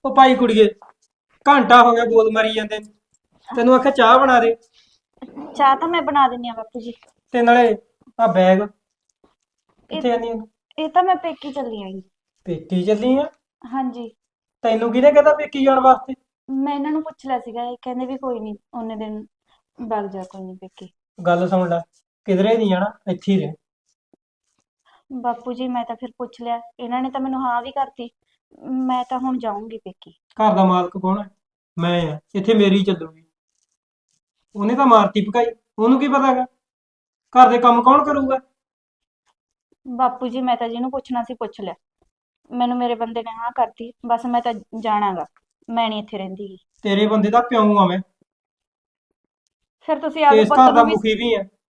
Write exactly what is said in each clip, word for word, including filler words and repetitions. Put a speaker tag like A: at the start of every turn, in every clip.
A: ਉਹ ਭਾਈ ਕੁੜੀਏ, ਘੰਟਾ ਹੋ ਗਿਆ ਬੋਲ ਮਾਰੀ ਜਾਂਦੇ ਨੂੰ। ਤੈਨੂੰ ਆਖਿਆ ਚਾਹ ਬਣਾ ਦੇ।
B: ਚਾਹ ਤਾਂ ਮੈਂ ਬਣਾ ਦਿੰਨੀ ਆ ਬਾਪੂ ਜੀ।
A: ਤੇ ਨਾਲੇ ਆ ਬੈਗ
B: ਇਹ
A: ਕਿੱਥੇ ਜਾਂਦੀ ਆ?
B: ਇਹ ਤਾਂ ਮੈਂ ਪੇਕੀ ਚੱਲੀ ਆਂਗੀ।
A: ਪੇਕੀ ਚੱਲੀ ਆ?
B: ਹਾਂਜੀ।
A: ਤੈਨੂੰ ਕਿਹਨੇ ਕਹਿੰਦਾ ਪੇਕੀ ਜਾਣ ਵਾਸਤੇ?
B: ਮੈਂ ਇਹਨਾਂ ਨੂੰ ਪੁੱਛ ਲਿਆ ਸੀਗਾ, ਇਹ ਕਹਿੰਦੇ ਵੀ ਕੋਈ ਨਹੀਂ ਉਹਨੇ ਦਿਨ ਵਗ ਜਾ, ਕੋਈ ਨਹੀਂ ਪੇਕੀ।
A: ਗੱਲ ਸੁਣ ਲੈ, ਕਿਧਰੇ ਨਹੀਂ ਜਾਣਾ, ਇੱਥੇ ਹੀ ਰਹਿ।
B: ਬਾਪੂ ਜੀ ਮੈਂ ਤਾਂ ਫਿਰ ਪੁੱਛ ਲਿਆ, ਇਹਨਾਂ ਨੇ ਤਾਂ ਮੈਨੂੰ ਹਾਂ ਵੀ ਕਰਤੀ। ਮੈਂ ਤਾਂ ਹੁਣ ਜਾਊਂਗੀ ਪੇਕੀ।
A: ਘਰ ਦਾ ਮਾਲਕ ਕੌਣ ਹੈ? ਮੈਂ ਆ, ਇੱਥੇ ਮੇਰੀ ਚੱਲੂਗੀ। ਉਹਨੇ ਤਾਂ ਮਾਰਤੀ ਭਕਾਈ, ਉਹਨੂੰ ਕੀ ਪਤਾਗਾ? ਘਰ ਦੇ ਕੰਮ ਕੌਣ ਕਰੂਗਾ?
B: ਬਾਪੂ ਜੀ ਮੈਂ ਤਾਂ ਜਿਹਨੂੰ ਪੁੱਛਣਾ ਸੀ ਪੁੱਛ ਲਿਆ, ਮੈਨੂੰ ਮੇਰੇ ਬੰਦੇ ਨੇ ਹਾਂ ਕਰਤੀ, ਬਸ ਮੈਂ ਤਾਂ ਜਾਣਾਗਾ, ਮੈਂ ਨਹੀਂ ਇੱਥੇ ਰਹਿੰਦੀ ਗੀ।
A: ਤੇਰੇ ਬੰਦੇ ਦਾ ਪਿਓ ਆ ਮੈਂ,
B: ਫਿਰ ਤੁਸੀਂ
A: ਤੇ
B: ਆਪਦੇ
A: ਇਸ
B: ਪੁੱਤ
A: ਘਰ ਦਾ
B: ਨੂੰ ਵੀ
A: ਮੁਖੀ ਵੀ ਆ।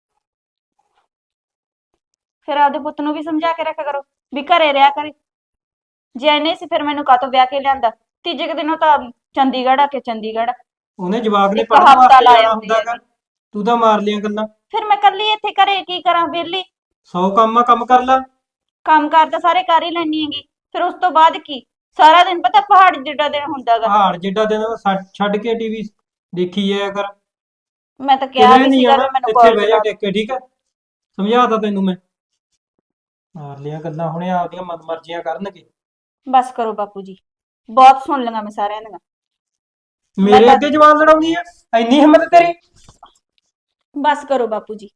B: ਫਿਰ ਆਪਦੇ ਪੁੱਤ ਨੂੰ ਵੀ ਸਮਝਾ ਕੇ ਰੱਖਿਆ ਕਰੋ ਵੀ ਘਰੇ ਰਿਹਾ ਕਰੇ। ਜੇ ਐਨੇ ਸੀ ਫਿਰ ਮੈਨੂੰ ਕਾਹਤੋਂ ਵਿਆਹ ਕੇ ਲਿਆਂਦਾ? ਤੀਜੇ ਕੁ ਦਿਨੋਂ ਤਾਂ ਚੰਡੀਗੜ੍ਹ ਆ ਕੇ ਚੰਡੀਗੜ੍ਹ
A: ਉਹਨੇ ਜਵਾਕ ਨੇ
B: ਇੱਕ
A: ਪੜ੍ਹਨ
B: ਹਫ਼ਤਾ
A: ਵਾਸਤੇ
B: ਲਾ
A: ਜਾਣਾ
B: ਆਉਂਦੀ
A: ਹੁੰਦਾ ਗਾ।
B: ਹੈਗੀ।
A: ਤੂੰ ਤਾਂ ਮਾਰ ਲਿਆ ਗੱਲਾਂ।
B: ਫਿਰ ਮੈਂ ਕੱਲੀ ਇੱਥੇ ਘਰੇ ਕੀ ਕਰਾਂ? ਵਿਹਲੀ
A: ਸੌ ਕੰਮ ਆ, ਕੰਮ ਕਰ ਲੈ।
B: ਕੰਮ ਕਾਰ ਤਾਂ ਸਾਰੇ ਕਰ ਹੀ ਲੈਣੀ ਹੈਗੀ, ਫਿਰ ਉਸ ਤੋਂ ਬਾਅਦ ਕੀ? ਸਾਰਾ ਦਿਨ ਪਤਾ ਪਹਾੜ ਜਿੱਡਾ ਦਿਨ ਹੁੰਦਾਗਾ।
A: ਪਹਾੜ ਜਿੱਡਾ ਦਿਨ ਛੱਡ ਛੱਡ ਕੇ ਟੀਵੀ ਦੇਖੀ ਜਾਇਆ ਕਰ।
B: ਮੈਂ ਤਾਂ ਕਿਹਾ
A: ਕਿਧਰੇ
B: ਵੀ
A: ਨਹੀਂ
B: ਸੀਗਾ
A: ਜਾਣਾ,
B: ਵੀ ਮੈਨੂੰ
A: ਇੱਥੇ
B: ਕਾਲਜ
A: ਬਹਿ ਜਾ
B: ਲਾ ਦਿਓ।
A: ਟਿਕ ਕੇ, ਠੀਕ ਹੈ? ਸਮਝਾਤਾ ਤੈਨੂੰ ਮੈਂ। ਮਾਰ ਲਿਆ ਗੱਲਾਂ, ਹੁਣੇ ਆਪਦੀਆਂ ਮਨਮਰਜ਼ੀਆਂ ਕਰਨਗੇ।
B: ਬਸ ਕਰੋ ਬਾਪੂ ਜੀ, ਬਹੁਤ ਸੁਣ ਲਈਆਂ ਮੈਂ ਸਾਰਿਆਂ ਦੀਆਂ। ਮੈਂ
A: ਮੇਰੇ
B: ਤਾਂ
A: ਅੱਗੇ ਜਵਾਨ ਲੜਾਉਂਦੀ ਆ? ਇੰਨੀ ਹਿੰਮਤ ਤੇਰੀ?
B: ਬਸ ਕਰੋ ਬਾਪੂ ਜੀ,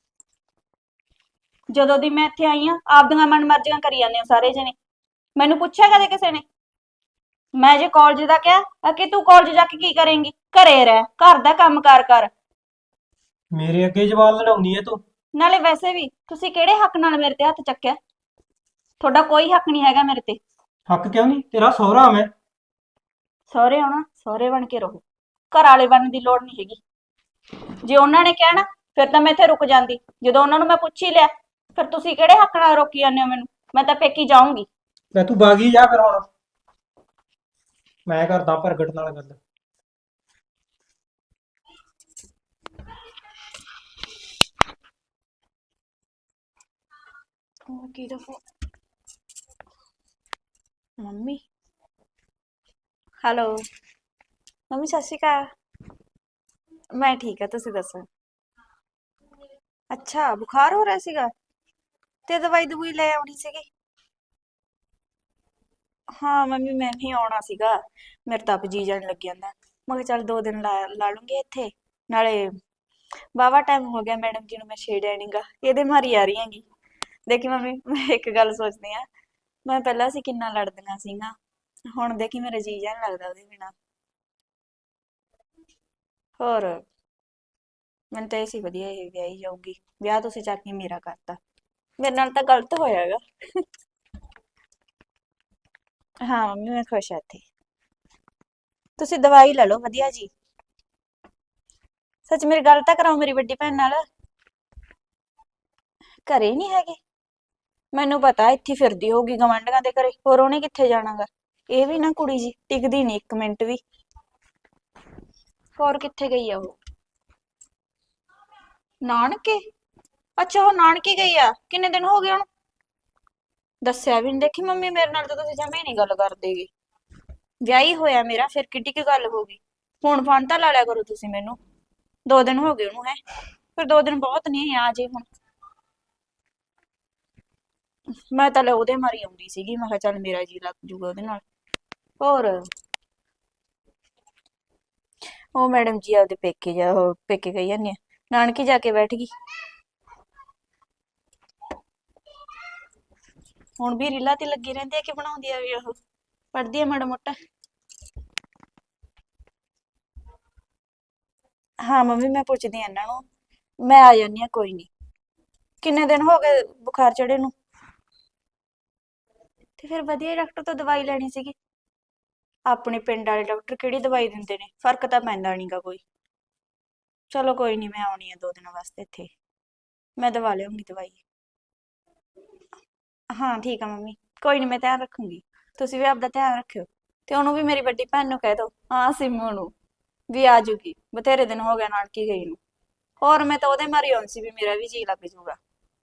B: ਜਦੋਂ ਦੀ ਮੈਂ ਇੱਥੇ ਆਈ ਆ ਆਪਦੀਆਂ ਮਨਮਰਜ਼ੀਆਂ ਕਰੀ ਜਾਂਦੇ ਹੋ ਸਾਰੇ ਜਣੇ। ਮੈਨੂੰ ਪੁੱਛਿਆ ਕਦੇ ਕਿਸੇ ਨੇ? ਮੈਂ ਜੇ ਕਾਲਜ ਦਾ ਕਿਹਾ ਆ ਕਿ ਤੂੰ ਕਾਲਜ ਜਾ ਕੇ ਕੀ ਕਰੇਂਗੀ? ਘਰੇ ਰਹਿ, ਘਰ ਦਾ ਕੰਮ ਕਾਰ ਕਰ।
A: ਮੇਰੇ ਅੱਗੇ ਜਵਾਨ ਲੜਾਉਂਦੀ ਆ ਤੂੰ?
B: ਨਾਲੇ ਵੈਸੇ ਵੀ ਤੁਸੀਂ ਕਿਹੜੇ ਹੱਕ ਨਾਲ ਮੇਰੇ ਤੇ ਹੱਥ ਚੱਕਿਆ? ਤੁਹਾਡਾ ਕੋਈ ਹੱਕ ਨਹੀਂ ਹੈਗਾ ਮੇਰੇ ਤੇ।
A: ਹੱਕ ਕਿਉਂ ਨਹੀਂ? ਤੇਰਾ ਸਹੁਰਾ ਮੈਂ।
B: ਸਹੁਰੇ ਆਉਣਾ, ਸਹੁਰੇ ਬਣ ਕੇ ਰਹੋ, ਘਰ ਵਾਲੇ ਬਣਨ ਦੀ ਲੋੜ ਨਹੀਂ ਹੈਗੀ। ਜੇ ਉਹਨਾਂ ਨੇ ਕਹਿਣਾ ਫਿਰ ਤਾਂ ਮੈਂ ਇੱਥੇ ਰੁਕ ਜਾਂਦੀ, ਜਦੋਂ ਉਹਨਾਂ ਨੂੰ ਮੈਂ ਪੁੱਛ ਹੀ ਲਿਆ ਫਿਰ ਤੁਸੀਂ ਕਿਹੜੇ ਹੱਕ ਨਾਲ ਰੋਕੀ ਜਾਂਦੇ ਹੋ ਮੈਨੂੰ? ਮੈਂ ਤਾਂ ਪੇਕੀ ਜਾਊਂਗੀ।
A: ਲੈ ਤੂੰ ਬਾਗੀ ਜਾ ਫਿਰ ਹੁਣ, ਮੈਂ ਕਰਦਾ ਪ੍ਰਗਟ ਨਾਲ ਗੱਲ।
B: ਉਹ ਕੀ ਦਾ ਫੋਨ? ਮੰਮੀ। ਹੈਲੋ ਮੰਮੀ, ਸਤਿ ਸ਼੍ਰੀ ਅਕਾਲ। ਮੈਂ ਠੀਕ ਆ, ਤੁਸੀਂ ਦੱਸੋ? ਅੱਛਾ, ਬੁਖਾਰ ਹੋ ਰਿਹਾ ਸੀਗਾ ਤੇ ਦਵਾਈ ਦਵਾਈ ਲੈ ਆਉਣੀ ਸੀਗੀ। ਹਾਂ ਮੰਮੀ, ਮੈਂ ਵੀ ਆਉਣਾ ਸੀਗਾ, ਮੇਰੇ ਤਾਂ ਆਪ ਜੀ ਜਾਣ ਲੱਗ ਜਾਂਦਾ। ਮੈਂ ਕਿਹਾ ਚੱਲ ਦੋ ਦਿਨ ਲਾ ਲਾ ਲੂੰਗੀ ਇੱਥੇ, ਨਾਲੇ ਵਾਹਵਾ ਟਾਈਮ ਹੋ ਗਿਆ ਮੈਡਮ ਜੀ ਨੂੰ ਮੈਂ ਛੇੜਿਆ ਨੀਗਾ, ਇਹਦੇ ਮਾਰੀ ਆ ਰਹੀ ਹੈਗੀ। ਦੇਖੀ ਮੰਮੀ, ਮੈਂ ਇੱਕ ਗੱਲ ਸੋਚਦੀ ਆ, ਮੈਂ ਪਹਿਲਾਂ ਅਸੀਂ ਕਿੰਨਾ ਲੜਦੀਆਂ ਸੀਗਾ, ਹੁਣ ਦੇਖੀ ਮੇਰਾ ਜੀ ਜਾਣ ਲੱਗਦਾ ਉਹਦੇ ਬਿਨਾਂ। ਹੋਰ ਮੈਨੂੰ ਤਾਂ ਇਹ ਸੀ ਵਧੀਆ ਇਹ ਵਿਆਹੀ ਜਾਊਗੀ, ਵਿਆਹ ਤੁਸੀਂ ਚੱਕ ਕੇ ਮੇਰਾ ਕਰਤਾ। ਮੇਰੇ ਨਾਲ ਤਾਂ ਗਲਤ ਹੋਇਆਗਾ। ਹਾਂ ਮੰਮੀ, ਮੈਂ ਖੁਸ਼ ਆ ਇੱਥੇ। ਤੁਸੀਂ ਦਵਾਈ ਲੈ ਲਓ ਵਧੀਆ ਜੀ। ਸੱਚ ਮੇਰੀ ਗੱਲ ਤਾਂ ਕਰਾਓ ਮੇਰੀ ਵੱਡੀ ਭੈਣ ਨਾਲ। ਘਰੇ ਨਹੀਂ ਹੈਗੇ? ਮੈਨੂੰ ਪਤਾ ਇੱਥੇ ਫਿਰਦੀ ਹੋਊਗੀ ਗਵਾਂਢੀਆਂ ਦੇ ਘਰੇ, ਹੋਰ ਉਹਨੇ ਕਿੱਥੇ ਜਾਣਾਗਾ? ਇਹ ਵੀ ਨਾ ਕੁੜੀ ਜੀ ਟਿਕਦੀ ਨਹੀਂ ਇੱਕ ਮਿੰਟ ਵੀ। ਹੋਰ ਕਿੱਥੇ ਗਈ ਆ ਉਹ? ਨਾਨਕੇ? ਅੱਛਾ, ਉਹ ਨਾਨਕੇ ਗਈ ਆ? ਕਿੰਨੇ ਦਿਨ ਹੋ ਗਏ ਉਹਨੂੰ? ਦੱਸਿਆ ਵੀ ਨਹੀਂ। ਦੇਖੀ ਮੰਮੀ, ਮੇਰੇ ਨਾਲ ਤਾਂ ਤੁਸੀਂ ਜਮੇ ਨਹੀਂ ਗੱਲ ਕਰਦੇਗੇ। ਵਿਆਹੀ ਹੋਇਆ ਮੇਰਾ, ਫਿਰ ਕਿੱਡੀ ਕੀ ਗੱਲ ਹੋ ਗਈ? ਫੋਨ ਫਾਨ ਤਾਂ ਲਾ ਲਿਆ ਕਰੋ ਤੁਸੀਂ ਮੈਨੂੰ। ਦੋ ਦਿਨ ਹੋ ਗਏ ਉਹਨੂੰ, ਹੈ ਫਿਰ ਦੋ ਦਿਨ ਬਹੁਤ ਨਹੀਂ, ਆ ਜੇ ਹੁਣ। ਮੈਂ ਤਾਂ ਲੈ ਉਹਦੇ ਮਾਰੀ ਆਉਂਦੀ ਸੀਗੀ, ਮੈਂ ਕਿਹਾ ਚੱਲ ਮੇਰਾ ਜੀ ਲੱਗ ਜੂਗਾ ਉਹਦੇ ਨਾਲ। ਹੋਰ ਉਹ ਮੈਡਮ ਜੀ ਆਪਦੇ ਪੇਕੇ ਜਾ ਉਹ ਪੇਕੇ ਗਈ ਜਾਂਦੀ ਆ, ਨਾਨਕੇ ਜਾ ਕੇ ਬੈਠ ਗਈ। ਹੁਣ ਵੀ ਰੀਲਾਂ ਤੇ ਲੱਗੀ ਰਹਿੰਦੀ ਆ ਕਿ ਬਣਾਉਂਦੀ ਆ ਵੀ ਉਹ? ਪੜ੍ਹਦੀ ਆ ਮਾੜਾ ਮੋਟਾ? ਹਾਂ ਮੰਮੀ, ਮੈਂ ਪੁੱਛਦੀ ਆ ਇਹਨਾਂ ਨੂੰ, ਮੈਂ ਆ ਜਾਂਦੀ ਆ ਕੋਈ ਨਹੀਂ। ਕਿੰਨੇ ਦਿਨ ਹੋ ਗਏ ਬੁਖਾਰ ਚੜੇ ਨੂੰ? ਤੇ ਫਿਰ ਵਧੀਆ ਡਾਕਟਰ ਤੋਂ ਦਵਾਈ ਲੈਣੀ ਸੀਗੀ। ਆਪਣੇ ਪਿੰਡ ਵਾਲੇ ਡਾਕਟਰ ਕਿਹੜੀ ਦਵਾਈ ਦਿੰਦੇ ਨੇ, ਫਰਕ ਤਾਂ ਪੈਂਦਾ ਨਹੀਂਗਾ ਕੋਈ। ਚਲੋ ਕੋਈ ਨਹੀਂ, ਮੈਂ ਆਉਣੀ ਆ ਦੋ ਦਿਨਾਂ ਵਾਸਤੇ ਇੱਥੇ, ਮੈਂ ਦਵਾ ਲਿਆਉਂਗੀ ਦਵਾਈ। ਹਾਂ ਠੀਕ ਆ ਮੰਮੀ, ਕੋਈ ਨਹੀਂ, ਮੈਂ ਧਿਆਨ ਰੱਖੂੰਗੀ। ਤੁਸੀਂ ਵੀ ਆਪਦਾ ਧਿਆਨ ਰੱਖਿਓ, ਤੇ ਉਹਨੂੰ ਵੀ, ਮੇਰੀ ਵੱਡੀ ਭੈਣ ਨੂੰ ਕਹਿ ਦਿਓ, ਹਾਂ ਸਿੰਮੂ ਨੂੰ ਵੀ ਆ ਜੂਗੀ, ਬਥੇਰੇ ਦਿਨ ਹੋ ਗਿਆ ਨਾਨਕੀ ਗਈ ਨੂੰ। ਹੋਰ ਮੈਂ ਤਾਂ ਉਹਦੇ ਮਾਰੀ ਆਉਣੀ ਸੀ ਵੀ ਮੇਰਾ ਵੀ ਜੀ ਲੱਗ ਜੂਗਾ।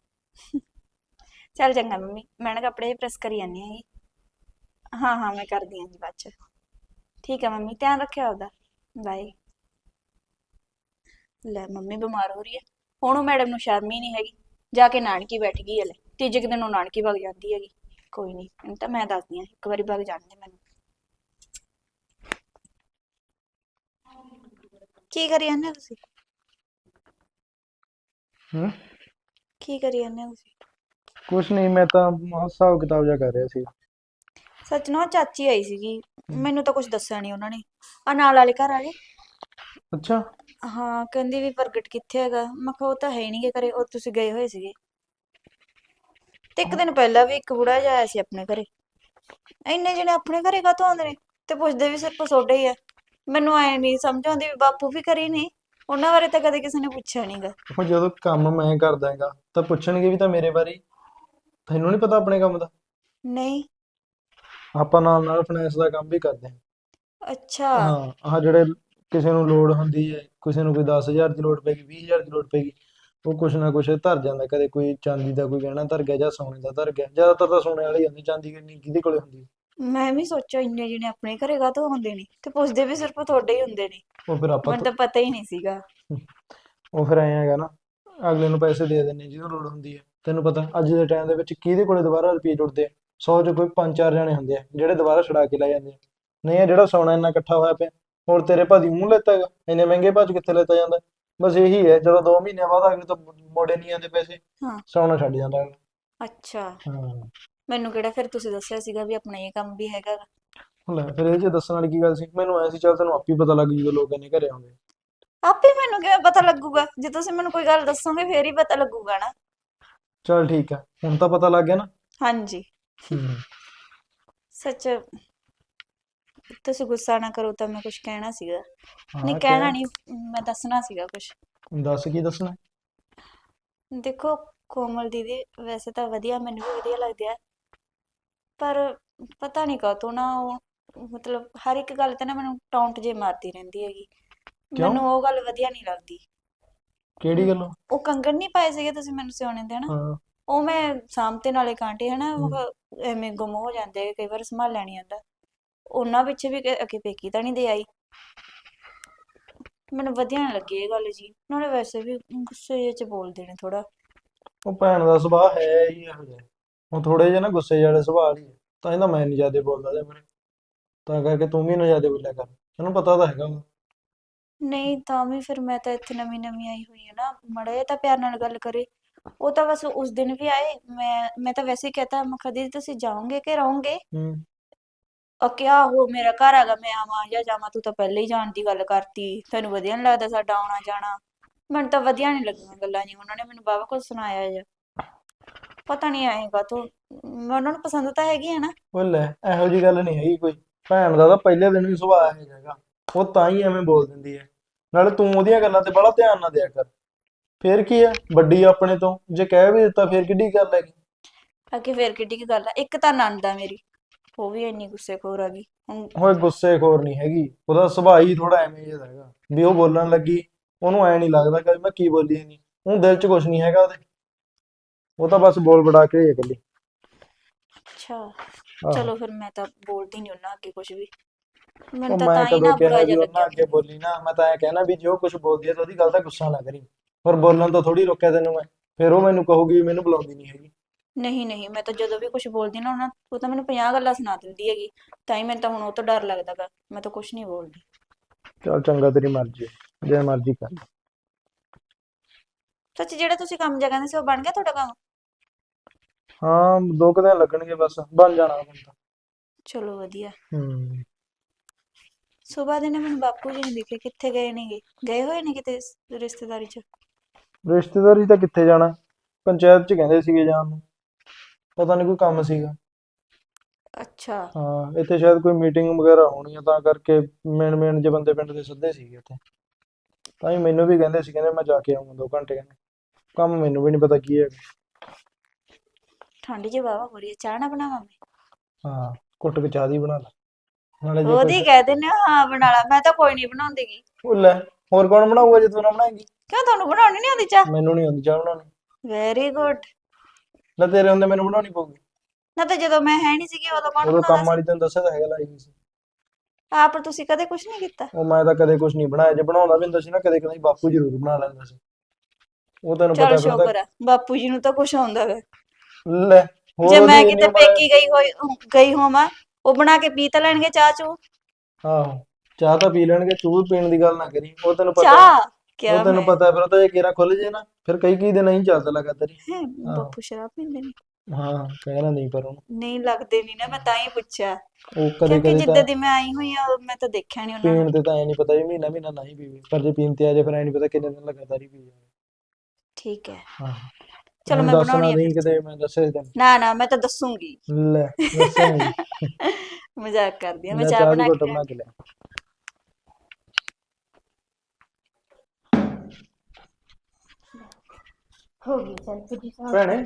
B: ਚੱਲ ਚੰਗਾ ਮੰਮੀ, ਮੈਂ ਨਾ ਕੱਪੜੇ ਪ੍ਰੈਸ ਕਰੀ ਜਾਂਦੀ ਹੈਗੀ। ਹਾਂ ਹਾਂ, ਮੈਂ ਕਰਦੀ ਹਾਂ ਜੀ ਬਾਅਦ ਚ। ਠੀਕ ਹੈ ਮੰਮੀ, ਧਿਆਨ ਰੱਖਿਓ ਆਪਦਾ। ਬਾਏ। ਲੈ ਮੰਮੀ ਬਿਮਾਰ ਹੋ ਰਹੀ ਹੈ, ਹੁਣ ਉਹ ਮੈਡਮ ਨੂੰ ਸ਼ਰਮ ਹੀ ਨਹੀਂ ਹੈਗੀ, ਜਾ ਕੇ ਨਾਨਕੀ ਬੈਠ ਗਈ ਹੈ। ਲੈ ਤੀਜੇ ਕੁ ਦਿਨ ਉਹ ਨਾਨਕੀ ਵਗ ਜਾਂਦੀ ਹੈਗੀ। ਕੋਈ ਨਹੀਂ, ਇਹਨੂੰ ਤਾਂ ਮੈਂ ਦੱਸਦੀ ਹਾਂ, ਇੱਕ ਵਾਰੀ ਵਗ ਜਾਣ ਦੇ ਮੈਨੂੰ। ਕੀ ਕਰੀ ਜਾਂਦੇ ਹੋ ਤੁਸੀਂ?
C: ਹੂੰ।
B: ਕੀ ਕਰੀ ਜਾਂਦੇ ਹੋ ਤੁਸੀਂ?
C: ਕੁਛ ਨਹੀਂ, ਮੈਂ ਤਾਂ ਆਹ ਹਿਸਾਬ ਕਿਤਾਬ ਜਿਹਾ ਕਰ ਰਿਹਾ ਸੀ।
B: ਸੱਚ ਨਾ, ਉਹ ਚਾਚੀ ਆਈ ਸੀਗੀ,
C: ਹੂੰ।
B: ਮੈਨੂੰ ਤਾਂ ਕੁਝ ਦੱਸਿਆ ਨਹੀਂ ਉਹਨਾਂ ਨੇ। ਆ ਨਾਲ ਵਾਲੇ ਘਰ ਵਾਲੇ।
C: ਅੱਛਾ।
B: ਹਾਂ, ਕਹਿੰਦੀ ਵੀ ਪ੍ਰਗਟ ਕਿੱਥੇ ਹੈਗਾ। ਮੈਂ ਕਿਹਾ ਉਹ ਤਾਂ ਹੈ ਨਹੀਂ ਗੇ ਘਰੇ, ਉਹ ਤੁਸੀਂ ਗਏ ਹੋਏ ਸੀਗੇ। ਤੇ ਇੱਕ ਦਿਨ ਪਹਿਲਾਂ ਵੀ ਇੱਕ ਬੁੜਾ ਜਿਹਾ ਆਇਆ ਸੀ ਆਪਣੇ ਘਰੇ। ਇੰਨੇ ਜਣੇ ਆਪਣੇ ਘਰੇ ਕਾਹਤੋਂ ਆਉਂਦੇ ਨੇ, ਤੇ ਪੁੱਛਦੇ ਵੀ ਸਿਰਫ ਤੁਹਾਡੇ ਹੀ ਆ। ਮੈਨੂੰ ਐ ਨਹੀਂ ਸਮਝ ਆਉਂਦੀ ਵੀ ਬਾਪੂ ਵੀ ਘਰੇ ਨਹੀਂ, ਉਹਨਾਂ ਬਾਰੇ ਤਾਂ ਕਦੇ ਕਿਸੇ ਨੇ ਪੁੱਛਿਆ ਨਹੀਂਗਾ।
C: ਹੁਣ ਜਦੋਂ ਕੰਮ ਮੈਂ ਕਰਦਾ ਹੈਗਾ ਤਾਂ ਪੁੱਛਣਗੇ ਵੀ ਤਾਂ ਮੇਰੇ ਬਾਰੇ ਹੀ। ਤੈਨੂੰ ਨਹੀਂ ਪਤਾ ਆਪਣੇ ਕੰਮ ਦਾ?
B: ਨਹੀਂ।
C: ਆਪਾਂ ਨਾਲ ਨਾਲ ਫਾਈਨੈਂਸ ਦਾ ਕੰਮ ਵੀ ਕਰਦੇ
B: ਅੱਛਾ।
C: ਹਾਂ। ਹਾਂ, ਆਹ ਜਿਹੜੇ ਕਿਸੇ ਨੂੰ ਲੋੜ ਹੁੰਦੀ ਹੈ, ਕਿਸੇ ਨੂੰ ਕੋਈ ਦਸ ਹਜ਼ਾਰ ਦੀ ਲੋੜ ਪੈਗੀ, ਵੀਹ ਹਜ਼ਾਰ ਦੀ ਲੋੜ ਪੈਗੀ, ਉਹ ਕੁਛ ਨਾ ਕੁਛ ਧਰ ਜਾਂਦਾ। ਕਦੇ ਕੋਈ ਚਾਂਦੀ ਦਾ ਕੋਈ ਗਹਿਣਾ ਧਰ ਗਿਆ ਜਾਂ ਸੋਨੇ ਦਾ ਧਰ ਗਿਆ। ਜ਼ਿਆਦਾਤਰ ਤਾਂ ਸੋਨੇ ਵਾਲੇ ਹੀ ਹੁੰਦੇ, ਚਾਂਦੀ ਕਿੰਨੀ ਕਿਹਦੇ ਕੋਲੇ ਹੁੰਦੀ।
B: ਮੈਂ ਵੀ ਸੋਚਿਆ ਇੰਨੇ ਜਣੇ ਆਪਣੇ ਘਰੇ ਕਾਹਤੋਂ ਆਉਂਦੇ ਨੇ, ਤੇ ਪੁੱਛਦੇ ਵੀ ਸਿਰਫ ਤੁਹਾਡੇ ਹੀ ਹੁੰਦੇ ਨੇ।
C: ਉਹ ਫਿਰ ਆਪਾਂ
B: ਮੈਨੂੰ ਤਾਂ ਪਤਾ ਹੀ ਨਹੀਂ ਸੀਗਾ।
C: ਉਹ ਫਿਰ ਐਂ ਹੈਗਾ ਨਾ, ਅਗਲੇ ਨੂੰ ਪੈਸੇ ਦੇ ਦਿੰਦੇ ਜਿਹਨੂੰ ਲੋੜ ਹੁੰਦੀ ਹੈ। ਤੈਨੂੰ ਪਤਾ ਅੱਜ ਦੇ ਟਾਈਮ ਦੇ ਵਿੱਚ ਕਿਹਦੇ ਕੋਲੇ ਦੁਬਾਰਾ ਰੁਪਏ ਜੁੜਦੇ ਆ? ਸੌ ਚ ਕੋਈ ਪੰਜ ਚਾਰ ਜਣੇ ਹੁੰਦੇ ਆ ਜਿਹੜੇ ਦੁਬਾਰਾ ਛੁਡਾ ਕੇ ਲੈ ਜਾਂਦੇ ਆ। ਨਹੀਂ, ਇਹ ਜਿਹੜਾ ਸੋਨਾ ਇੰਨਾ ਇਕੱਠਾ ਹੋਇਆ ਪਿਆ, ਹੋਰ ਤੇਰੇ ਭਾਜੀ ਮੂੰਹ ਲੈਤਾ ਹੈਗਾ? ਇੰਨੇ ਮਹਿੰਗੇ ਭਾਜ ਕਿੱਥੇ ਲੈਤਾ ਜਾਂਦਾ? ਬਸ ਇਹੀ ਹੈ, ਜਦੋਂ ਦੋ ਮਹੀਨਿਆਂ ਬਾਅਦ ਅਗਲੇ ਤੋਂ ਮੋੜੇ ਨਹੀਂ ਜਾਂਦੇ ਪੈਸੇ,
B: ਹਾਂ।
C: ਸੋਨਾ ਛੱਡ ਜਾਂਦਾ ਅਗਲਾ।
B: ਅੱਛਾ।
C: ਹਾਂ।
B: ਮੈਨੂੰ ਕਿਹੜਾ ਫਿਰ ਤੁਸੀਂ ਦੱਸਿਆ ਸੀਗਾ ਵੀ ਆਪਣਾ ਇਹ ਕੰਮ ਵੀ ਹੈਗਾ ਗਾ।
C: ਲੈ ਫਿਰ ਇਹ 'ਚ ਦੱਸਣ ਵਾਲੀ ਕੀ ਗੱਲ ਸੀ? ਮੈਨੂੰ ਐ ਸੀ ਚੱਲ ਤੈਨੂੰ ਆਪੇ ਹੀ ਪਤਾ ਲੱਗ ਜੂਗਾ ਲੋਕ ਇੰਨੇ ਘਰੇ ਆਉਂਦੇ।
B: ਆਪੇ ਮੈਨੂੰ ਕਿਵੇਂ ਪਤਾ ਲੱਗੂਗਾ? ਜੇ ਤੁਸੀਂ ਮੈਨੂੰ ਕੋਈ ਗੱਲ ਦੱਸੋਗੇ ਫੇਰ ਹੀ ਪਤਾ ਲੱਗੂਗਾ ਨਾ।
C: ਚੱਲ ਠੀਕ ਹੈ, ਹੁਣ ਤਾਂ ਪਤਾ ਲੱਗ ਗਿਆ ਨਾ।
B: ਹਾਂਜੀ।
C: ਹੂੰ।
B: ਸੱਚ, ਤੁਸੀਂ ਗੁੱਸਾ ਨਾ ਕਰੋ ਤਾਂ ਮੈਂ ਕੁਝ ਕਹਿਣਾ ਸੀਗਾ। ਨਹੀਂ,
C: ਹਾਂ
B: ਕਹਿਣਾ
C: ਕਹਿ।
B: ਨਹੀਂ, ਮੈਂ ਦੱਸਣਾ ਸੀਗਾ ਕੁਝ।
C: ਦੱਸ ਕੀ ਦੱਸਣਾ?
B: ਦੇਖੋ, ਕੋਮਲ ਦੀਦੀ ਵੈਸੇ ਤਾਂ ਵਧੀਆ, ਮੈਨੂੰ ਵੀ ਵਧੀਆ ਲੱਗਦੀ ਆ, ਪਰ ਪਤਾ ਨਹੀਂ ਕਾਹਤੋਂ ਨਾ ਉਹ ਮਤਲਬ ਹਰ ਇੱਕ ਗੱਲ ਤੇ ਨਾ ਮੈਨੂੰ ਟੌਂਟ ਜੇ ਮਾਰਦੀ ਰਹਿੰਦੀ ਹੈਗੀ।
C: ਕਿਉਂ?
B: ਮੈਨੂੰ ਉਹ ਗੱਲ ਵਧੀਆ ਨਹੀਂ ਲੱਗਦੀ।
C: ਕਿਹੜੀ
B: ਮ,
C: ਗੱਲੋਂ?
B: ਉਹ ਕੰਗਣ ਨਹੀਂ ਪਾਏ ਸੀਗੇ ਤੁਸੀਂ ਮੈਨੂੰ ਸਿਉਣੇ ਦੇ ਹਨਾ,
C: ਹਾਂ।
B: ਉਹ ਮੈਂ ਸਾਂਭਤੇ ਨਾਲੇ ਕਾਂਟੇ ਹਨਾ, ਮੈਂ
C: ਹੂੰ।
B: ਕਿਹਾ ਐਵੇਂ ਗੁੰਮ ਹੋ ਜਾਂਦੇ ਆ, ਕਈ ਵਾਰ ਸੰਭਾਲਿਆ ਨਹੀਂ ਜਾਂਦਾ। ਉਹਨਾਂ ਪਿੱਛੇ ਵੀ ਕਿ- ਅੱਗੇ ਪੇਕੀ ਤਾਂ ਨਹੀਂ ਦੇ ਆਈ। ਮੈਨੂੰ ਵਧੀਆ ਨਹੀਂ ਲੱਗੀ ਇਹ ਗੱਲ ਜੀ। ਨਾਲੇ ਵੈਸੇ ਵੀ ਗੁੱਸੇ ਜਿਹੇ ਚ ਬੋਲਦੇ ਨੇ ਥੋੜਾ।
C: ਉਹ ਭੈਣ ਦਾ ਸੁਭਾਅ ਹੈ ਹੀ ਇਹੋ ਜਿਹਾ। ਉਹ ਥੋੜੇ ਜਿਹੇ ਨਾ ਗੁੱਸੇ ਜਿਹੇ ਵਾਲੇ ਸੁਭਾਅ ਵਾਲੀ ਹੈ, ਤਾਂ ਇਹਦਾ ਮੈਂ ਨਹੀਂ ਜ਼ਿਆਦਾ ਬੋਲਦਾ ਇਹਦੇ ਬਾਰੇ। ਤਾਂ ਕਰਕੇ ਤੂੰ ਵੀ ਨਾ ਜ਼ਿਆਦਾ ਬੋਲਿਆ ਕਰ, ਤੈਨੂੰ ਪਤਾ ਤਾਂ ਹੈਗਾ ਉਹਨੂੰ।
B: ਨਹੀਂ ਤਾਂ ਵੀ ਫਿਰ ਮੈਂ ਤਾਂ ਇੱਥੇ ਨਵੀਂ ਨਵੀਂ ਆਈ ਹੋਈ ਹਾਂ ਨਾ, ਮਾੜਾ ਜਿਹਾ ਤਾਂ ਪਿਆਰ ਨਾਲ ਗੱਲ ਕਰੇ। ਉਹ ਤਾਂ ਬਸ ਉਸ ਦਿਨ ਵੀ ਆਏ, ਮੈਂ ਮੈਂ ਤਾਂ ਵੈਸੇ ਹੀ ਕਹਤਾ, ਮੈਂ ਕਿਹਾ ਦੀਦੀ ਤੁਸੀਂ ਜਾਓਗੇ ਕਿ ਰਹੋਗੇ?
C: ਹੂੰ।
B: ਆ ਕਿਹਾ ਉਹ ਮੇਰਾ ਘਰ ਹੈਗਾ, ਮੈਂ ਆਵਾਂ ਜਾਂ ਜਾਵਾਂ, ਤੂੰ ਤਾਂ ਪਹਿਲੇ ਹੀ ਜਾਣ ਦੀ ਗੱਲ ਕਰਤੀ, ਤੈਨੂੰ ਵਧੀਆ ਨਹੀਂ ਲੱਗਦਾ ਸਾਡਾ ਆਉਣਾ ਜਾਣਾ। ਮੈਨੂੰ ਤਾਂ ਵਧੀਆ ਨਹੀਂ ਲੱਗੀਆਂ ਗੱਲਾਂ ਜੀ, ਉਹਨਾਂ ਨੇ ਮੈਨੂੰ ਬਾਵਾ ਕੁਝ ਸੁਣਾਇਆ ਜਾਂ ਪਤਾ ਨਹੀਂ ਆਏਗਾ ਤੂੰ। ਮੈਂ ਉਹਨਾਂ ਨੂੰ ਪਸੰਦ ਤਾਂ ਹੈਗੀ ਆ ਨਾ।
C: ਉਹ ਲੈ, ਇਹੋ ਜਿਹੀ ਗੱਲ ਨਹੀਂ ਹੈਗੀ ਕੋਈ। ਭੈਣ ਦਾ ਤਾਂ ਪਹਿਲੇ ਦਿਨ ਵੀ ਸੁਭਾਅ ਇਹੋ ਹੈਗਾ, ਉਹ ਤਾਂ ਹੀ ਐਵੇਂ ਬੋਲ ਦਿੰਦੀ ਹੈ। ਨਾਲੇ ਤੂੰ ਉਹਦੀਆਂ ਗੱਲਾਂ ਤੇ ਬੜਾ ਧਿਆਨ ਨਾ ਦਿਆ ਕਰ। ਫੇਰ ਕੀ ਹੈ, ਵੱਡੀ ਆ ਆਪਣੇ ਤੋਂ, ਜੇ ਕਹਿ ਵੀ ਦਿੱਤਾ ਫੇਰ ਕਿੱਡੀ ਗੱਲ ਹੈਗੀ।
B: ਅੱਗੇ ਫੇਰ ਕਿੱਡੀ ਕੀ ਗੱਲ ਆ? ਇੱਕ ਤਾਂ ਨਣਦ ਆ ਮੇਰੀ, ਉਹ ਵੀ ਇੰਨੀ ਗੁੱਸੇਖੋਰ ਆ ਗਈ ਹੁਣ।
C: ਓਏ ਗੁੱਸੇਖੋਰ ਨਹੀਂ ਹੈਗੀ, ਉਹਦਾ ਸੁਭਾਅ ਹੀ ਥੋੜਾ ਐਵੇਂ ਜਿਹਾ ਹੈਗਾ ਵੀ ਉਹ ਬੋਲਣ ਲੱਗੀ ਉਹਨੂੰ ਐ ਨਹੀਂ ਲੱਗਦਾ ਕਿ ਮੈਂ ਕੀ ਬੋਲੀ ਨਹੀਂ। ਉਹ ਦਿਲ 'ਚ ਕੁਝ ਨਹੀਂ ਹੈਗਾ ਉਹਦੇ, ਉਹ ਤਾਂ ਬਸ ਬੋਲ ਬੜਾ ਕੇ ਹੀ ਹੈ ਇਕੱਲੀ।
B: ਅੱਛਾ।
C: ਆਹੋ।
B: ਚਲੋ ਫਿਰ ਮੈਂ ਤਾਂ ਬੋਲਦੀ ਨਹੀਂ ਉਹਨਾਂ ਅੱਗੇ ਕੁਝ ਵੀ। ਮੈਨੂੰ
C: ਉਹ
B: ਤਾਂ
C: ਮੈਂ
B: ਤਾਂ ਹੀ
C: ਕਦੋਂ
B: ਨਾ
C: ਕਿਹਾ
B: ਬੁਰਾ
C: ਵੀ
B: ਜਿਹਾ
C: ਉਹਨਾਂ
B: ਲੱਗਿਆ
C: ਅੱਗੇ ਬੋਲੀ ਨਾ? ਮੈਂ ਤਾਂ ਐ ਕਹਿਣਾ ਵੀ ਜੇ ਉਹ ਕੁਝ ਬੋਲਦੀ ਹੈ ਤਾਂ ਉਹਦੀ ਗੱਲ ਦਾ ਗੁੱਸਾ ਨਾ ਕਰੀ। ਪਰ ਬੋਲਣ ਤੋਂ ਥੋੜੀ ਰੋਕਿਆ ਤੈਨੂੰ ਮੈਂ। ਫਿਰ ਉਹ ਮੈਨੂੰ ਕਹੂਗੀ ਵੀ ਮੈਨੂੰ ਬੁਲਾਉਂਦੀ ਨਹੀਂ ਹੈਗੀ।
B: ਨਹੀਂ ਨਹੀਂ, ਮੈਂ ਤਾਂ ਜਦੋਂ ਵੀ ਕੁਝ ਬੋਲਦੀ ਨਾ ਉਹਨਾਂ, ਉਹ ਤਾਂ ਮੈਨੂੰ ਪੰਜਾਹ ਗੱਲਾਂ ਸੁਣਾ ਦਿੰਦੀ ਹੈਗੀ। ਤਾਂ ਹੀ ਮੈਨੂੰ ਤਾਂ ਹੁਣ ਉਹ ਤੋਂ ਡਰ ਲੱਗਦਾ ਗਾ, ਮੈਂ ਤਾਂ ਕੁਝ ਨਹੀਂ ਬੋਲਦੀ।
C: ਚੱਲ ਚੰਗਾ, ਤੇਰੀ ਮਰਜ਼ੀ ਹੈ, ਜੇ ਮਰਜ਼ੀ ਕਰ ਲੈ।
B: ਸੱਚ, ਜਿਹੜਾ ਤੁਸੀਂ ਕੰਮ ਜਿਹਾ ਕਹਿੰਦੇ ਸੀ ਉਹ ਬਣ ਗਿਆ ਤੁਹਾਡਾ ਕੰਮ?
C: ਹਾਂ, ਦੋ ਕੁ ਦਿਨ ਲੱਗਣਗੇ, ਬਸ ਬਣ ਜਾਣਾ ਹੁਣ ਤਾਂ।
B: ਚਲੋ ਵਧੀਆ।
C: ਹੂੰ।
B: ਸੁਬਾਹ ਦੇ ਨਾ ਮੈਨੂੰ ਬਾਪੂ ਜੀ ਨਹੀਂ ਦਿਖੇ, ਕਿੱਥੇ ਗਏ ਨੇਗੇ? ਗਏ ਹੋਏ ਨੇ ਕਿਤੇ ਰਿਸ਼ਤੇਦਾਰੀ 'ਚ?
C: ਰਿਸ਼ਤੇਦਾਰੀ ਤਾਂ ਕਿੱਥੇ ਜਾਣਾ, ਪੰਚਾਇਤ 'ਚ ਕਹਿੰਦੇ ਸੀਗੇ ਜਾਣ ਨੂੰ, ਪਤਾ ਨਹੀਂ ਕੋਈ ਕੰਮ ਸੀਗਾ।
B: ਅੱਛਾ।
C: ਹਾਂ, ਇੱਥੇ ਸ਼ਾਇਦ ਕੋਈ ਮੀਟਿੰਗ ਵਗੈਰਾ ਹੋਣੀ ਆ, ਤਾਂ ਕਰਕੇ ਮੇਨ ਮੇਨ ਜੇ ਬੰਦੇ ਪਿੰਡ ਦੇ ਸੱਦੇ ਸੀਗੇ ਉੱਥੇ। ਤਾਂ ਹੀ ਮੈਨੂੰ ਵੀ ਕਹਿੰਦੇ ਸੀ, ਕਹਿੰਦੇ ਮੈਂ ਜਾ ਕੇ ਆਊਂਗਾ ਦੋ ਘੰਟੇ, ਕਹਿੰਦੇ ਕੰਮ ਮੈਨੂੰ ਵੀ ਨਹੀਂ ਪਤਾ ਕੀ ਹੈ।
B: ਠੰਡ ਜਿਹੀ ਵਾਹਵਾ ਹੋ ਰਹੀ ਹੈ, ਚਾਹ ਨਾ ਬਣਾਵਾਂ ਮੈਂ?
C: ਹਾਂ, ਘੁੱਟ ਕੇ ਚਾਹ ਦੀ ਬਣਾ ਲੈ, ਨਾਲੇ ਜੇ
B: ਉਹਦੀ
C: ਕੁਛ।
B: ਕਹਿ ਦਿੰਦੇ ਹੋ ਹਾਂ ਬਣਾ ਲਾ, ਮੈਂ ਤਾਂ ਕੋਈ ਨਹੀਂ ਬਣਾਉਂਦੀ ਗੀ।
C: ਉਹ ਲੈ, ਹੋਰ ਕੌਣ ਬਣਾਊਗਾ ਜੇ ਤੂੰ ਨਾ ਬਣਾਏਂਗੀ?
B: ਕਿਉਂ, ਤੁਹਾਨੂੰ ਬਣਾਉਣੀ ਨਹੀਂ ਆਉਂਦੀ ਚਾਹ?
C: ਮੈਨੂੰ ਨਹੀਂ ਆਉਂਦੀ ਚਾਹ ਬਣਾਉਣੀ।
B: Very good.
C: ਲੈ ਤੇਰੇ ਹੁੰਦੇ ਮੈਨੂੰ ਬਣਾਉਣੀ ਪਊਗੀ।
B: ਨਾ ਤਾਂ ਜਦੋਂ ਮੈਂ ਹੈ ਨਹੀਂ ਸੀਗੀ ਉਦੋਂ ਕੌਣ
C: ਉਦੋਂ
B: ਬਣਾਉਂਦਾ
C: ਕੰਮ
B: ਸੀ?
C: ਵਾਲੀ ਤੈਨੂੰ ਦੱਸਿਆ ਤਾਂ ਹੈਗਾ ਲਾਈ ਹੋਈ ਸੀ।
B: ਆਪ ਤੁਸੀਂ ਕਦੇ ਕੁਝ ਨਹੀਂ ਕੀਤਾ?
C: ਉਹ ਮੈਂ ਤਾਂ ਕਦੇ ਕੁਝ ਨਹੀਂ ਬਣਾਇਆ, ਜੇ ਬਣਾਉਂਦਾ ਵੀ ਹੁੰਦਾ ਸੀ ਨਾ ਕਦੇ ਕਦੇ ਬਾਪੂ ਜ਼ਰੂਰ ਬਣਾ ਲੈਂਦਾ ਸੀ। ਉਹ ਤੈਨੂੰ
B: ਚਲ
C: ਪਤਾ ਫਿਰ
B: ਸ਼ੁਕਰ ਆ ਬਾਪੂ ਜੀ ਨੂੰ ਤਾਂ ਕੁਝ ਆਉਂਦਾ ਵਾ।
C: ਤਾਂ ਲੈ ਹੋਰ
B: ਜੇ
C: ਉਹਦੀ
B: ਮੈਂ
C: ਇੰਨੀ
B: ਕਿਤੇ
C: ਉਮਰ ਹੈ।
B: ਪੇਕੀ ਗਈ ਹੋਈ ਗਈ ਹੋਵਾਂ, ਉਹ ਬਣਾ ਕੇ ਪੀ ਤਾਂ ਲੈਣਗੇ ਚਾਹ ਚੂ।
C: ਆਹੋ ਚਾਹ ਤਾਂ ਪੀ ਲੈਣਗੇ, ਤੂੰ ਪੀਣ ਦੀ ਗੱਲ ਨਾ ਕਰੀ, ਉਹ ਤੈਨੂੰ ਪਤਾ
B: ਚਾਹ
C: ਉਹ
B: ਕਿਆ
C: ਤੈਨੂੰ
B: ਮੈਂ
C: ਪਤਾ ਫਿਰ ਉਹ ਤਾਂ ਜੇ ਕੇਰਾ ਖੁੱਲ ਜੇ ਨਾ ਫਿਰ ਕਈ ਕਈ ਦਿਨ ਨਹੀਂ ਚੱਲਦਾ ਲਗਾਤਾਰ ਹੀ।
B: ਹੈਂ,
C: ਆਹੋ
B: ਬਾਪੂ ਸ਼ਰਾਬ ਪੀਂਦੇ ਨੇ?
C: ਹਾਂ ਕਹਿਣਾ ਨਹੀਂ ਪਰ ਉਹਨੂੰ
B: ਨਹੀਂ ਲੱਗਦੇ ਨਹੀਂ ਨਾ, ਮੈਂ ਤਾਂ ਹੀ ਪੁੱਛਿਆ
C: ਉਹ ਕਦੇ
B: ਕਿਉਂਕਿ
C: ਕਦੇ
B: ਜਿੱਦਾਂ
C: ਤਾਂ
B: ਦੀ ਮੈਂ ਆਈ ਹੋਈ ਆ ਮੈਂ ਤਾਂ ਦੇਖਿਆ ਨਹੀਂ ਉਹਨਾਂ ਨੂੰ।
C: ਪੀਣ ਤੇ ਤਾਂ ਐ ਨਹੀਂ ਪਤਾ ਵੀ ਮਹੀਨਾ ਮਹੀਨਾ ਨਹੀਂ ਪੀਵੇ, ਪਰ ਜੇ ਪੀਣ ਤੇ ਆ ਜੇ ਫਿਰ ਐ ਨਹੀਂ ਪਤਾ ਕਿੰਨੇ ਦਿਨ ਲਗਾਤਾਰ ਹੀ ਪੀ ਜਾਵੇ।
B: ਠੀਕ ਹੈ,
C: ਹਾਂ
B: ਚਲੋ
C: ਹੁਣ
B: ਮੈਂ
C: ਦੱਸਣਾ
B: ਬਣਾਉਣੀ ਆ
C: ਨਹੀਂ
B: ਫਿਰ।
C: ਕਿਤੇ ਮੈਂ ਦੱਸਿਆ ਤੈਨੂੰ।
B: ਨਾ ਨਾ ਮੈਂ ਤਾਂ ਦੱਸੂਗੀ।
C: ਲੈ ਦੱਸਾਂਗੀ।
B: ਮਜ਼ਾਕ ਕਰਦੀ ਆ, ਮੈਂ
C: ਲੈ
B: ਚਾਹ
C: ਚਾਹ ਦੀ
B: ਬਣਾ
C: ਘੁੱਟ
B: ਕੇ
C: ਬਣਾ
B: ਲਿਆਂਦੀ।
C: ਕੇ ਲਿਆ।
D: ਹੋ ਗਈ ਸੈਲਫ ਜੀ ਸਾਹਿਬ।
C: ਭੈਣੇ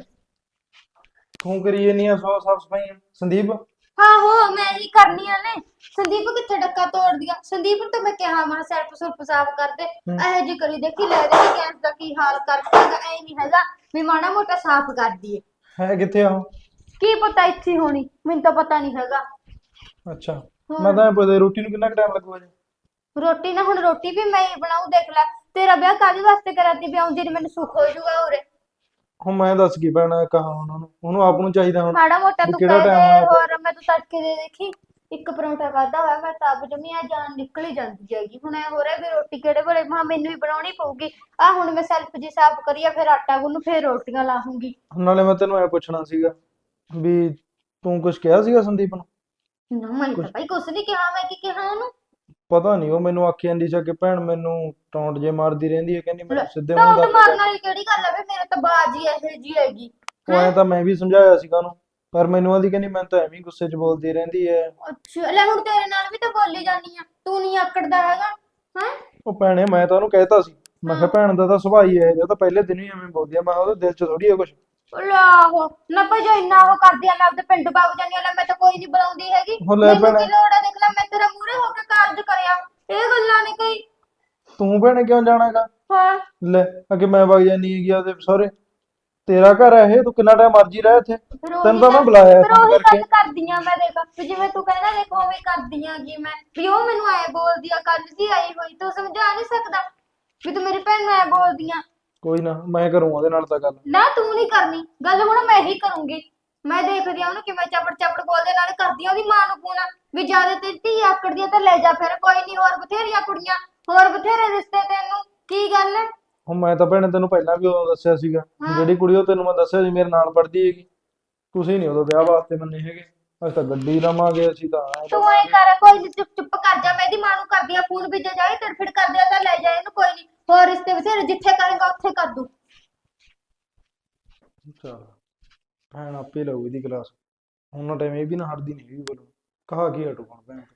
C: ਤੂੰ ਕਰੀ ਜਾਨੀ ਆ ਸੌ ਸਾਫ ਸਫਾਈ ਸੰਦੀਪ?
D: ਆਹੋ ਮੈਂ ਹੀ ਕਰਨੀਆਂ ਨੇ। ਸੰਦੀਪ ਕਿੱਥੇ ਡੱਕਾ ਤੋੜ ਦਿਆ? ਸੰਦੀਪ ਨੂੰ ਤਾਂ ਮੈਂ ਕਿਹਾ ਮੈਂ ਸੈਲਫ ਸੁਲਫ ਸਾਫ਼ ਕਰ ਦੇ,
C: ਹੂੰ।
D: ਇਹੋ ਜੀ ਕਰੀ ਦੇਖੀ ਲੈ ਦੇ ਗੈਸ ਦਾ ਕੀ ਹਾਲ ਕਰਤਾ ਹੈਗਾ। ਐ ਨਹੀਂ ਹੈਗਾ ਵੀ ਮਾੜਾ ਮੋਟਾ ਸਾਫ਼ ਕਰ ਦਈਏ।
C: ਹੈ ਕਿੱਥੇ ਆ ਉਹ?
D: ਕੀ ਪਤਾ ਇੱਥੇ ਹੀ ਹੋਣੀ, ਮੈਨੂੰ ਤਾਂ ਪਤਾ ਨਹੀਂ ਹੈਗਾ।
C: ਅੱਛਾ
D: ਹੋਰ।
C: ਮੈਂ ਤਾਂ ਪਤਾ ਰੋਟੀ ਨੂੰ ਕਿੰਨਾ ਟਾਈਮ ਲੱਗੂਗਾ ਜੀ?
D: ਰੋਟੀ ਨਾ ਹੁਣ ਰੋਟੀ ਵੀ ਮੈਂ ਹੀ ਬਣਾਉ, ਦੇਖ ਲੈ ਤੇਰਾ ਵਿਆਹ ਕਾਹਦੇ ਵਾਸਤੇ ਕਰਾਤੀ ਵੀ ਆਉਂਦੀ ਨੀ ਮੈਨੂੰ ਸੁੱਖ ਹੋ ਜਾਊਗਾ ਉਰੇ।
C: ਹੁਣ ਮੈਂ ਦੱਸ ਕੀ ਪੈਣਾ ਕਹਾ ਉਹਨਾਂ ਨੂੰ, ਉਹਨੂੰ ਆਪ ਨੂੰ ਚਾਹੀਦਾ ਹੁਣ
D: ਮਾੜਾ ਮੋਟਾ
C: ਵੀ
D: ਤੂੰ
C: ਕਿਹੜਾ
D: ਕਹਿ
C: ਟਾਈਮ
D: ਦੇ,
C: ਹੋਇਆ ਪਿਆ।
D: ਹੋਰ ਮੈਂ ਤੂੰ ਤੜਕੇ ਦੇ ਦੇਖੀ ਇੱਕ ਪਰੌਂਠਾ ਖਾਧਾ ਹੋਇਆ ਮੈਂ ਤਾਂ ਆਪ ਜਮੀ ਆ ਜਾਨ ਨਿਕਲ ਹੀ ਜਾਂਦੀ ਹੈਗੀ। ਹੁਣ ਐ ਹੋ ਰਿਹਾ ਵੀ ਰੋਟੀ ਕਿਹੜੇ ਵੇਲੇ ਮਾਂ ਮੈਨੂੰ ਹੀ ਬਣਾਉਣੀ ਪਊਗੀ। ਆ ਹੁਣ ਮੈਂ ਸੈਲਫ ਜੀ ਸਾਫ਼ ਕਰੀਆ ਫਿਰ ਆਟਾ ਗੁੰਨੂ ਫਿਰ ਰੋਟੀਆਂ ਲਾਹੂੰਗੀ।
C: ਨਾਲੇ ਮੈਂ ਤੈਨੂੰ ਐ ਪੁੱਛਣਾ ਸੀਗਾ ਵੀ ਤੂੰ ਕੁਝ ਕਿਹਾ ਸੀਗਾ ਸੰਦੀਪ ਨੂੰ?
D: ਨਾ ਮੈਂ ਤਾਂ
C: ਕੁਛ
D: ਭਾਈ ਕੁਛ ਨਹੀਂ ਕਿਹਾ, ਮੈਂ ਕੀ ਕਿਹਾ ਉਹਨੂੰ?
C: ਪਤਾ ਨਹੀਂ ਉਹ ਮੈਨੂੰ ਆਖੀ ਜਾਂਦੀ ਸੀ ਕਿ ਭੈਣ ਮੈਨੂੰ ਟੌਂਟ ਜੇ ਮਾਰਦੀ ਰਹਿੰਦੀ ਹੈ, ਕਹਿੰਦੀ
D: ਲੈ,
C: ਮੈਨੂੰ ਸਿੱਧੇ ਮੂੰਹ
D: ਟੌਂਟ
C: ਗੱਲ
D: ਮਾਰਨ
C: ਕਰ।
D: ਵਾਲੀ ਕਿਹੜੀ ਗੱਲ ਹੈ ਵੇ, ਮੇਰੇ ਤਾਂ ਬਾਜੀ ਇਹੋ ਜੀ ਹੈਗੀ।
C: ਉਹ ਐ ਤਾਂ ਮੈਂ ਵੀ ਸਮਝਾਇਆ ਸੀਗਾ ਉਹਨੂੰ, ਪਰ ਮੈਨੂੰ ਆਦੀ ਕਹਿੰਦੀ ਮੈਂ ਤਾਂ ਐਵੇਂ ਹੀ ਗੁੱਸੇ 'ਚ ਬੋਲਦੀ ਰਹਿੰਦੀ ਹੈ।
D: ਅੱਛਾ ਲੈ ਹੁਣ ਤੇਰੇ ਨਾਲ ਵੀ ਤਾਂ ਬੋਲੀ ਜਾਂਦੀ ਆ, ਤੂੰ ਨਹੀਂ ਆਕੜਦਾ ਹੈਗਾ ਹੈ।
C: ਉਹ ਭੈਣੇ ਮੈਂ ਤਾਂ ਉਹਨੂੰ ਕਹਿਤਾ ਸੀ, ਮੈਂ ਕਿਹਾ ਭੈਣ ਦਾ ਤਾਂ ਸੁਭਾਅ ਹੀ ਹੈ ਜਾਂ ਤਾਂ ਪਹਿਲੇ ਦਿਨ ਹੀ ਐਵੇਂ ਬੋਲਦੀ ਆ, ਮੈਂ ਕਿਹਾ ਉਹਦੇ ਦਿਲ 'ਚ ਥੋੜੀ ਹੈ ਕੁਝ।
D: ਆਹੋ ਨਾ ਭਾਈ ਜੋ ਇੰਨਾ ਉਹ ਕਰਦੀ ਆ ਮੈਂ ਆਪਦੇ ਪਿੰਡ ਵਗ ਜਾਂਦੀ ਆ, ਲੈ ਮੈਂ ਤਾਂ ਕੋਈ ਨਹੀਂ ਬੁਲਾਉਂਦੀ ਹੈਗੀ।
C: ਉਹ ਲੈ
D: ਮੈਨੂੰ
C: ਭੈਣੇ
D: ਕੀ ਲੋੜ ਆ, ਦੇਖ ਲੈ ਮੈਂ ਤੇਰਾ ਮੂਹਰੇ ਹੋ ਕੇ ਕਾਰਜ ਕਰਿਆ, ਇਹ ਗੱਲਾਂ ਨੇ ਕੋਈ।
C: ਤੂੰ ਭੈਣੇ ਕਿਉਂ ਜਾਣਾਗਾ?
D: ਹਾਂ
C: ਲੈ ਅੱਗੇ ਮੈਂ ਵਗ ਜਾਨੀ ਹੈਗੀ ਉਹਦੇ ਸਹੁਰੇ, ਤੇਰਾ ਘਰ ਹੈ ਇਹ, ਤੂੰ ਕਿੰਨਾ ਟਾਈਮ ਮਰਜੀ ਰਹਿ ਇੱਥੇ,
D: ਫਿਰ
C: ਤੈਨੂੰ
D: ਉਹੀ
C: ਤਾਂ ਮੈਂ
D: ਗੱਲ
C: ਬੁਲਾਇਆ
D: ਫਿਰ
C: ਫੋਨ
D: ਉਹੀ
C: ਕਰਕੇ।
D: ਗੱਲ ਕਰਦੀ ਆ ਮੈਂ, ਦੇਖ ਵੀ ਜਿਵੇਂ ਤੂੰ ਕਹਿੰਦਾ ਦੇਖ ਉਵੇਂ ਕਰਦੀ ਆ ਕਿ ਮੈਂ ਵੀ ਉਹ ਮੈਨੂੰ ਐ ਬੋਲਦੀ ਆ, ਕੱਲ ਦੀ ਆਈ ਹੋਈ ਤੂੰ ਸਮਝਾ ਨਹੀਂ ਸਕਦਾ ਵੀ ਤੂੰ ਮੇਰੀ ਭੈਣ ਨੂੰ ਐ ਬੋਲਦੀ ਆ।
C: ਕੋਈ ਨਾ ਮੈਂ ਕਰੂੰਗਾ ਉਹਦੇ ਨਾਲ ਤਾਂ ਗੱਲ।
D: ਨਾ ਤੂੰ ਨਹੀਂ ਕਰਨੀ ਗੱਲ, ਹੁਣ ਮੈਂ ਹੀ ਕਰੂੰਗੀ। ਮੈਂ ਦੇਖਦੀ ਆ ਉਹਨੂੰ ਕਿਵੇਂ ਚਪੜ ਚਪੜ ਬੋਲਦੇ, ਨਾਲੇ ਕਰਦੀ ਆ ਉਹਦੀ ਮਾਂ ਨੂੰ ਫੋਨ ਵੀ ਜਿਆਦਾ ਤੇਰੀ ਧੀ ਆਕੜਦੀ ਆ ਤਾਂ ਲੈ ਜਾ ਫਿਰ, ਕੋਈ ਨਹੀਂ ਹੋਰ ਬਥੇਰੀਆਂ ਕੁੜੀਆਂ ਹੋਰ ਬਥੇਰੇ ਰਿਸ਼ਤੇ ਤੈਨੂੰ, ਕੀ ਗੱਲ ਹੈ।
C: ਹੁਣ ਮੈਂ ਤਾਂ ਭੈਣੇ ਤੈਨੂੰ ਪਹਿਲਾਂ ਵੀ ਉਦੋਂ ਦੱਸਿਆ ਸੀਗਾ,
D: ਹਾਂ।
C: ਜਿਹੜੀ ਕੁੜੀ ਉਹ ਤੈਨੂੰ ਮੈਂ ਦੱਸਿਆ ਸੀ ਮੇਰੇ ਨਾਲ ਪੜ੍ਹਦੀ ਹੈਗੀ, ਤੁਸੀਂ ਨਹੀਂ ਉਦੋਂ ਵਿਆਹ ਵਾਸਤੇ ਮੰਨੇ ਹੈਗੇ, ਅਸੀਂ ਤਾਂ ਗੱਡੀ ਲਵਾਂਗੇ, ਅਸੀਂ ਤਾਂ ਐਂ
D: ਤੂੰ ਐ
C: ਲਵਾਂਗੇ।
D: ਕਰ, ਕੋਈ ਨੀ ਚੁੱਪ ਚੁੱਪ ਕਰ ਜਾ, ਮੈਂ ਇਹਦੀ ਮਾਂ ਨੂੰ ਕਰਦੀ ਆ ਫੋਨ ਵੀ, ਜੇ ਜਾਏ ਤੜਫੜ ਕਰਦੇ ਆ ਤਾਂ ਲੈ ਜਾ ਇਹਨੂੰ, ਕੋਈ ਨਹੀਂ ਹੋਰ ਰਿਸ਼ਤੇ ਬਥੇਰੇ ਜਿੱਥੇ ਕਰੇਗਾ ਉੱਥੇ ਕਰ ਦੂ।
C: ਚੱਲ ਭੈਣ ਆਪੇ ਲਊ ਇਹਦੀ ਕਲਾਸ, ਉਹਨਾਂ ਟਾਈਮ ਇਹ ਵੀ ਨਾ ਹਟਦੀ ਨਹੀਂ ਵੀ ਬੋਲੋ, ਕਹਾ ਕੀ ਹਟੂ ਹੁਣ ਭੈਣ।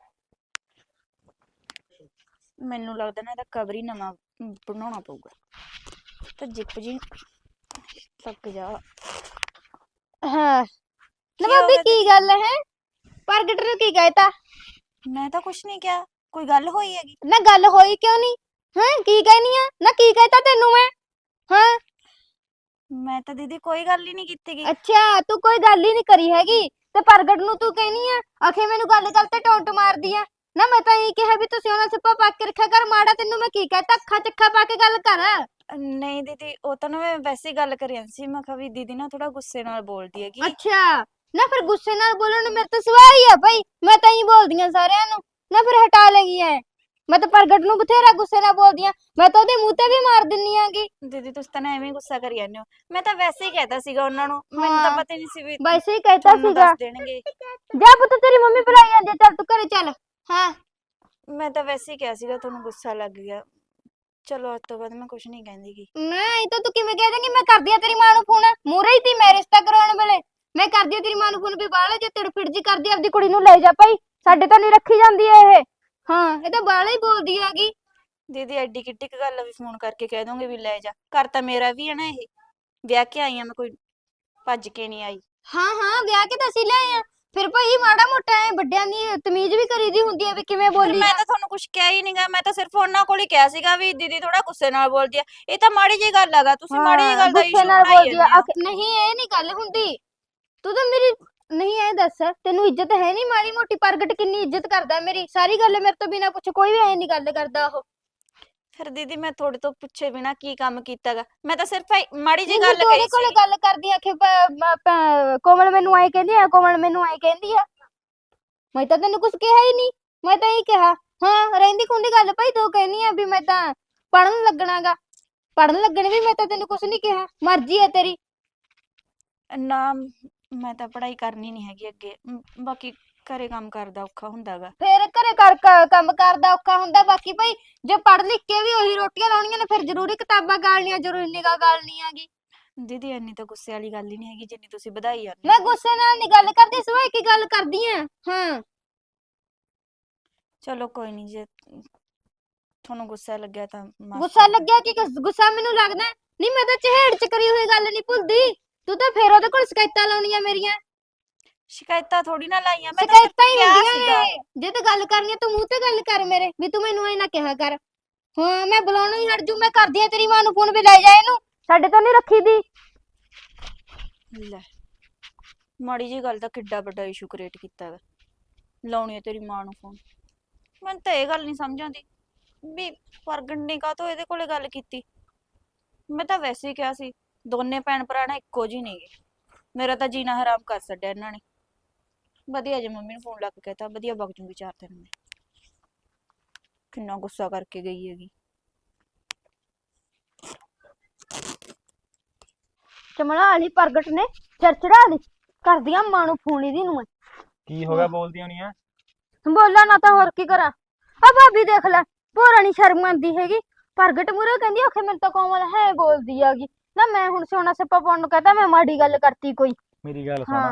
B: ਮੈਨੂੰ ਲੱਗਦਾ ਨਾ ਇਹਦਾ ਕਵਰ ਹੀ ਨਵਾਂ ਅਮ, ਬਣਾਉਣਾ ਪਊਗਾ। ਤਾਂ ਜਿੱਪ ਜੀ ਲੱਗ ਜਾ।
D: ਹਾਂ
B: ਕੀ ਹੋ ਗਿਆ
D: ਕੀ ਗੱਲ ਹੈ? ਪ੍ਰਗਟ ਨੂੰ ਕੀ ਕਹਿਤਾ?
B: ਮੈਂ ਤਾਂ ਕੁਛ ਨਹੀਂ ਕਿਹਾ, ਕੋਈ ਗੱਲ ਹੋਈ ਹੈਗੀ?
D: ਨਾ ਗੱਲ ਹੋਈ ਕਿਉਂ ਨਹੀਂ? ਹਾਂ ਕੀ ਕਹਿਨੀ ਆ ਨਾ, ਕੀ ਕਹਿਤਾ ਤੈਨੂੰ ਮੈਂ? ਹਾਂ
B: ਮੈਂ ਤਾਂ ਦੀਦੀ ਕੋਈ ਗੱਲ ਹੀ ਨਹੀਂ ਕੀਤੀ ਗੀ।
D: ਅੱਛਾ ਤੂੰ ਕੋਈ ਗੱਲ ਹੀ ਨਹੀਂ ਕਰੀ ਹੈਗੀ ਤੇ ਪ੍ਰਗਟ ਨੂੰ ਤੂੰ ਕਹਿਨੀ ਆ ਆਖੇ ਮੈਨੂੰ ਗੱਲ ਗੱਲ ਤੇ ਟੌਂਟ ਮਾਰਦੀ ਆ। ਨਾ ਮੈਂ ਤਾਂ ਇਹ ਕਿਹਾ ਵੀ ਤੁਸੀਂ ਉਹਨਾਂ ਸਿੱਪਾ ਪਾ ਕੇ ਰੱਖਿਆ ਕਰ, ਮਾੜਾ ਤੈਨੂੰ ਮੈਂ ਕੀ ਕਹਿਤਾ? ਅੱਖਾਂ ਚੱਖਾ ਪਾ ਕੇ ਗੱਲ ਕਰ।
B: ਨਹੀਂ ਦੀਦੀ ਉਹ ਤਾਂ ਨਾ ਮੈਂ ਵੈਸੇ ਹੀ ਗੱਲ ਕਰੀ ਜਾਂਦੀ ਸੀ, ਮੈਂ ਕਿਹਾ ਵੀ ਦੀਦੀ ਨਾ ਥੋੜਾ ਗੁੱਸੇ ਨਾਲ ਬੋਲਦੀ ਹੈਗੀ।
D: ਅੱਛਾ ਨਾ ਫਿਰ ਗੁੱਸੇ ਨਾਲ ਬੋਲਣ ਨੂੰ ਮੇਰੇ ਤਾਂ ਸਵਾਹ ਹੀ ਆ ਭਾਈ, ਮੈਂ ਤਾਂ ਹੀ ਬੋਲਦੀ ਆ ਸਾਰਿਆਂ ਨੂੰ, ਨਾ ਫਿਰ ਹਟਾ ਲੈਗੀ ਐ। ਮੈਂ ਤਾਂ ਪ੍ਰਗਟ ਨੂੰ ਬਥੇਰਾ ਗੁੱਸੇ ਨਾਲ ਬੋਲਦੀ ਆ, ਮੈਂ ਤਾਂ ਉਹਦੇ ਮੂੰਹ ਤੇ ਵੀ ਮਾਰ ਦਿੰਨੀ ਆਂਗੀ।
B: ਦੀਦੀ ਤੁਸੀਂ ਤਾਂ ਨਾ ਐਵੇਂ ਹੀ ਗੁੱਸਾ ਕਰੀ ਜਾਂਦੇ ਹੋ, ਮੈਂ ਤਾਂ ਵੈਸੇ ਹੀ ਕਹਿਤਾ ਸੀਗਾ ਉਹਨਾਂ ਨੂੰ, ਮੈਨੂੰ ਤਾਂ
D: ਹਾਂ,
B: ਪਤਾ ਹੀ ਨਹੀਂ ਸੀ ਵੀ
D: ਵੈਸੇ ਹੀ ਕਹਿਤਾ
B: ਤੁਹਾਨੂੰ
D: ਸੀਗਾ।
B: ਦੱਸ ਦੇਣਗੇ।
D: ਜਾ ਪੁੱਤ ਤੇਰੀ ਮੰਮੀ ਬੁਲਾਈ ਜਾਂਦੀ ਆ, ਚੱਲ ਤੂੰ ਘਰੇ ਚੱਲ। ਹਾਂ
B: ਮੈਂ ਤਾਂ ਵੈਸੇ ਹੀ ਕਿਹਾ ਸੀਗਾ, ਤੁਹਾਨੂੰ ਗੁੱਸਾ ਲੱਗ ਗਿਆ। ਚਲੋ ਅੱਜ ਤੋਂ ਬਾਅਦ ਮੈਂ ਕੁਛ ਨਹੀਂ ਕਹਿੰਦੀ ਗੀ।
D: ਨਾ ਇਹ ਤਾਂ ਤੂੰ ਕਿਵੇਂ ਕਹਿ ਦੇਂਗੀ? ਮੈਂ ਕਰਦੀ ਆ ਤੇਰੀ ਮਾਂ ਨੂੰ ਫੋਨ, ਮੂਹਰੇ ਹੀ ਤੀ ਮੈਂ ਰਿਸ਼ਤਾ ਕਰਾਉਣ ਵੇਲੇ, ਮੈਂ ਕਰਦੀ ਆ ਤੇਰੀ ਮਾਂ ਨੂੰ ਫੋਨ ਵੀ ਬਾਹਲੇ ਜੇ ਤਿੜਫਿੜ ਜੀ ਕਰਦੀ ਆਪਦੀ ਕੁੜੀ ਨੂੰ ਲੈ ਜਾ ਭਾਈ, ਸਾਡੇ ਤਾਂ ਨਹੀਂ ਰੱਖੀ ਜਾਂਦੀ ਇਹ। ਹਾਂ ਇਹ ਤਾਂ ਬਾਹਲੇ ਹੀ ਬੋਲਦੀ ਹੈਗੀ।
B: ਦੀਦੀ ਐਡੀ ਕਿੱਡੀ ਕੁ ਗੱਲ ਆ ਵੀ ਫੋਨ ਕਰਕੇ ਕਹਿ ਦੋਗੇ ਵੀ ਲੈ ਜਾ, ਘਰ ਤਾਂ ਮੇਰਾ ਵੀ ਹੈ ਨਾ, ਇਹ ਵਿਆਹ ਕੇ ਆਈ ਆ ਮੈਂ, ਕੋਈ ਭੱਜ ਕੇ ਨਹੀਂ ਆਈ।
D: ਹਾਂ ਹਾਂ ਵਿਆਹ ਕੇ ਤਾਂ ਅਸੀਂ ਲਿਆਏ ਆ, ਫਿਰ ਭਾਈ ਮਾੜਾ ਮੋਟਾ ਐ ਵੱਡਿਆਂ ਦੀ ਤਮੀਜ਼ ਵੀ ਕਰੀਦੀ ਹੁੰਦੀ ਹੈ ਵੀ ਕਿਵੇਂ
B: ਫਿਰ
D: ਬੋਲੀ
B: ਮੈਂ ਤਾਂ ਤੁਹਾਨੂੰ ਕੁਝ ਕਿਹਾ ਹੀ ਨਹੀਂਗਾ, ਮੈਂ ਤਾਂ ਸਿਰਫ ਉਹਨਾਂ ਕੋਲ ਹੀ ਕਿਹਾ ਸੀਗਾ ਵੀ ਦੀਦੀ ਥੋੜਾ ਗੁੱਸੇ ਨਾਲ ਬੋਲਦੀ ਆ। ਇਹ ਤਾਂ ਮਾੜੀ ਜਿਹੀ ਗੱਲ ਹੈਗਾ, ਤੁਸੀਂ ਮਾੜੀ ਜਿਹੀ ਗੱਲ ਦਾ
D: ਗੁੱਸੇ
B: ਇਸ਼ੂ
D: ਨਾਲ
B: ਬਣਾਈ
D: ਬੋਲਦੀ ਆ।
B: ਜਾਂਦੇ ਹੋ।
D: ਆਖ- ਨਹੀਂ ਇਹ ਨਹੀਂ ਗੱਲ ਹੁੰਦੀ, ਤੂੰ ਤਾਂ ਮੇਰੀ ਨਹੀਂ ਐ ਦੱਸ ਤੈਨੂੰ ਇੱਜ਼ਤ ਹੈ ਨਹੀਂ ਮਾੜੀ ਮੋਟੀ? ਪ੍ਰਗਟ ਕਿੰਨੀ ਇੱਜ਼ਤ ਕਰਦਾ ਮੇਰੀ, ਸਾਰੀ ਗੱਲ ਮੇਰੇ ਤੋਂ ਬਿਨਾਂ ਪੁੱਛੇ ਕੋਈ ਵੀ ਐ ਨਹੀਂ ਗੱਲ ਕਰਦਾ ਉਹ।
B: ਫਿਰ ਦੀਦੀ ਮੈਂ ਤੁਹਾਡੇ ਤੋਂ ਪੁੱਛੇ ਬਿਨਾ ਕੀ ਕੰਮ ਕੀਤਾਗਾ? ਮੈਂ ਤਾਂ ਸਿਰਫ ਇਹ ਮਾੜੀ ਜੀ
D: ਨਹੀਂ
B: ਗੱਲ
D: ਤੂੰ ਉਹਦੇ
B: ਕਹੀ
D: ਕੋਲੇ
B: ਸੀ।
D: ਗੱਲ ਕਰਦੀ ਆ ਕਿ ਪ- ਮ- ਪ- ਕੋਮਲ ਮੈਨੂੰ ਐ ਕਹਿੰਦੀ ਆ, ਕੋਮਲ ਮੈਨੂੰ ਐ ਕਹਿੰਦੀ ਆ। ਮੈਂ ਤਾਂ ਤੈਨੂੰ ਕੁਝ ਕਿਹਾ ਹੀ ਨਹੀਂ, ਮੈਂ ਤਾਂ ਇਹ ਕਿਹਾ ਹਾਂ ਰਹਿੰਦੀ ਖੁੰਦੀ ਗੱਲ ਭਾਈ ਤੂੰ ਕਹਿੰਦੀ ਆ ਵੀ ਮੈਂ ਤਾਂ ਪੜਨ ਲੱਗਣਾਗਾ। ਪੜਨ ਲੱਗਣ ਵੀ ਮੈਂ ਤਾਂ ਤੈਨੂੰ ਕੁਝ ਨਹੀਂ ਕਿਹਾ, ਮਰਜ਼ੀ ਹੈ ਤੇਰੀ।
B: ਨਾ ਮੈਂ ਤਾਂ ਪੜ੍ਹਾਈ ਕਰਨੀ ਨਹੀਂ ਹੈਗੀ ਅੱਗੇ, ਮ, ਬਾਕੀ ਘਰੇ ਕੰਮ ਕਰਦਾ ਔਖਾ ਹੁੰਦਾਗਾ।
D: ਫੇਰ ਘਰੇ ਕਰ ਕ- ਕੰਮ ਕਰਦਾ ਔਖਾ ਹੁੰਦਾ, ਬਾਕੀ ਭਾਈ ਜੇ ਪੜ ਲਿਖ ਕੇ ਵੀ ਉਹੀ ਰੋਟੀਆਂ ਲਾਉਣੀਆਂ ਨੇ ਫਿਰ ਜ਼ਰੂਰੀ ਕਿਤਾਬਾਂ ਗਾਲਣੀਆਂ, ਜ਼ਰੂਰੀ ਨਿਗਾਹ ਗਾਲਣੀ ਹੈਗੀ।
B: ਦੀਦੀ ਇੰਨੀ ਤਾਂ ਗੁੱਸੇ ਵਾਲੀ ਗੱਲ ਹੀ ਨਹੀਂ ਹੈਗੀ ਜਿੰਨੀ ਤੁਸੀਂ ਵਧਾਈ ਜਾਂਦੇ
D: ਮੈਂ
B: ਹੋ।
D: ਗੁੱਸੇ ਨਾਲ ਨਹੀਂ ਗੱਲ ਕਰਦੀ, ਸਵਾ ਕੀ ਗੱਲ ਕਰਦੀ ਆ। ਹਾਂ
B: ਚਲੋ ਕੋਈ ਨਹੀਂ, ਜੇ ਤੁਹਾਨੂੰ ਗੁੱਸਾ ਲੱਗਿਆ ਤਾਂ ਮਾਫ
D: ਗੁੱਸਾ
B: ਕਰ ਦਿਓ।
D: ਲੱਗਿਆ ਕਿ ਗੁੱਸ- ਗੁੱਸਾ ਮੈਨੂੰ ਲੱਗਦਾ ਹੈ? ਨਹੀਂ ਮੈਂ ਤਾਂ ਚਿਹੜ ਚ ਕਰੀ ਹੋਈ ਗੱਲ ਨਹੀਂ ਭੁੱਲਦੀ, ਤੂੰ ਤਾਂ ਫੇਰ ਉਹਦੇ ਕੋਲ ਸ਼ਿਕਾਇਤਾਂ ਲਾਉਣੀਆਂ ਮੇਰੀਆਂ।
B: ਸ਼ਿਕਾਇਤਾਂ ਥੋੜੀ ਨਾ ਲਾਈਆਂ, ਮੈਂ ਤਾਂ ਸਿਰਫ
D: ਸ਼ਿਕਾਇਤਾਂ ਹੀ
B: ਕਿਹਾ
D: ਹੁੰਦੀਆਂ
B: ਸੀਗਾ।
D: ਨੇ, ਜੇ ਤੇ ਗੱਲ ਕਰਨੀ ਆ ਤੂੰ ਮੂੰਹ ਤੇ ਗੱਲ ਕਰ ਮੇਰੇ, ਵੀ ਤੂੰ ਮੈਨੂੰ ਐ ਨਾ ਕਿਹਾ ਕਰ। ਹਾਂ ਮੈਂ ਬੁਲਾਉਣਾ ਹੀ ਹਟ ਜੂ, ਮੈਂ ਕਰਦੀ ਆ ਤੇਰੀ ਮਾਂ ਨੂੰ ਫੋਨ, ਵੀ ਲੈ ਜਾ ਇਹਨੂੰ, ਸਾਡੇ ਤੋਂ ਨਹੀਂ ਰੱਖੀ ਦੀ।
B: ਲੈ ਮਾੜੀ ਜੀ ਗੱਲ ਦਾ ਕਿੱਡਾ ਵੱਡਾ ਇਸ਼ੂ ਕ੍ਰੀਏਟ ਕੀਤਾ ਵਾ, ਲਾਉਣੀ ਆ ਤੇਰੀ ਮਾਂ ਨੂੰ ਫੋਨ। ਮੈਨੂੰ ਤਾਂ ਇਹ ਗੱਲ ਨਹੀਂ ਸਮਝ ਆਉਂਦੀ ਵੀ ਪ੍ਰਗਟ ਨੇ ਕਾਹਤੋਂ ਇਹਦੇ ਕੋਲੇ ਗੱਲ ਕੀਤੀ। ਮੈਂ ਤਾਂ ਵੈਸੇ ਹੀ ਕਿਹਾ ਸੀ ਦੋਨੇ ਭੈਣ ਭਰਾ ਨਾ ਇੱਕੋ ਜਿਹੇ ਨੇਗੇ, ਮੇਰਾ ਤਾਂ ਜੀਣਾ ਹਰਾਮ ਕਰ ਛੱਡਿਆ ਇਹਨਾਂ ਨੇ। ਵਧੀਆ ਜੇ ਮੰਮੀ ਨੂੰ ਫੋਨ ਲਾ ਕੇ ਕਹਿਤਾ, ਵਧੀਆ ਵਗ ਜੂੰਗੀ ਚਾਰ ਦਿਨ ਮੈਂ। ਕਿੰਨਾ ਗੁੱਸਾ ਕਰਕੇ ਗਈ ਹੈਗੀ।
D: ਚਮੜਾ ਵਾਲੀ ਪ੍ਰਗਟ ਨੇ ਸਿਰ ਚੜਾ ਲਈ, ਕਰਦੀਆਂ ਮਾਂ ਨੂੰ ਫੋਨ ਇਹਦੀ ਨੂੰ ਮੈਂ।
E: ਕੀ ਹੋ ਗਿਆ ਬੋਲਦੀ ਹੋਣੀ ਆ?
D: ਬੋਲਾਂ ਨਾ ਤਾਂ ਹੋਰ ਕੀ ਕਰਾਂ। ਆ ਭਾਬੀ ਦੇਖ ਲੈ, ਭੋਰਾ ਨੀ ਸ਼ਰਮ ਆਂਦੀ ਹੈਗੀ। ਪ੍ਰਗਟ ਮੂਰੇ ਕਹਿੰਦੀ ਆਖੇ ਮੈਨੂੰ ਤਾਂ ਕੋਮਲ ਹੈ ਬੋਲਦੀ ਹੈਗੀ ਨਾ, ਮੈਂ ਹੁਣ ਸੋਨਾ ਸੱਪਾ ਪਾਉਣ ਨੂੰ ਕਹਤਾ, ਮੈਂ ਮਾੜੀ ਗੱਲ ਕਰਤੀ ਕੋਈ?
E: ਮੇਰੀ ਗੱਲ
D: ਹਾਂ
E: ਸੁਣ,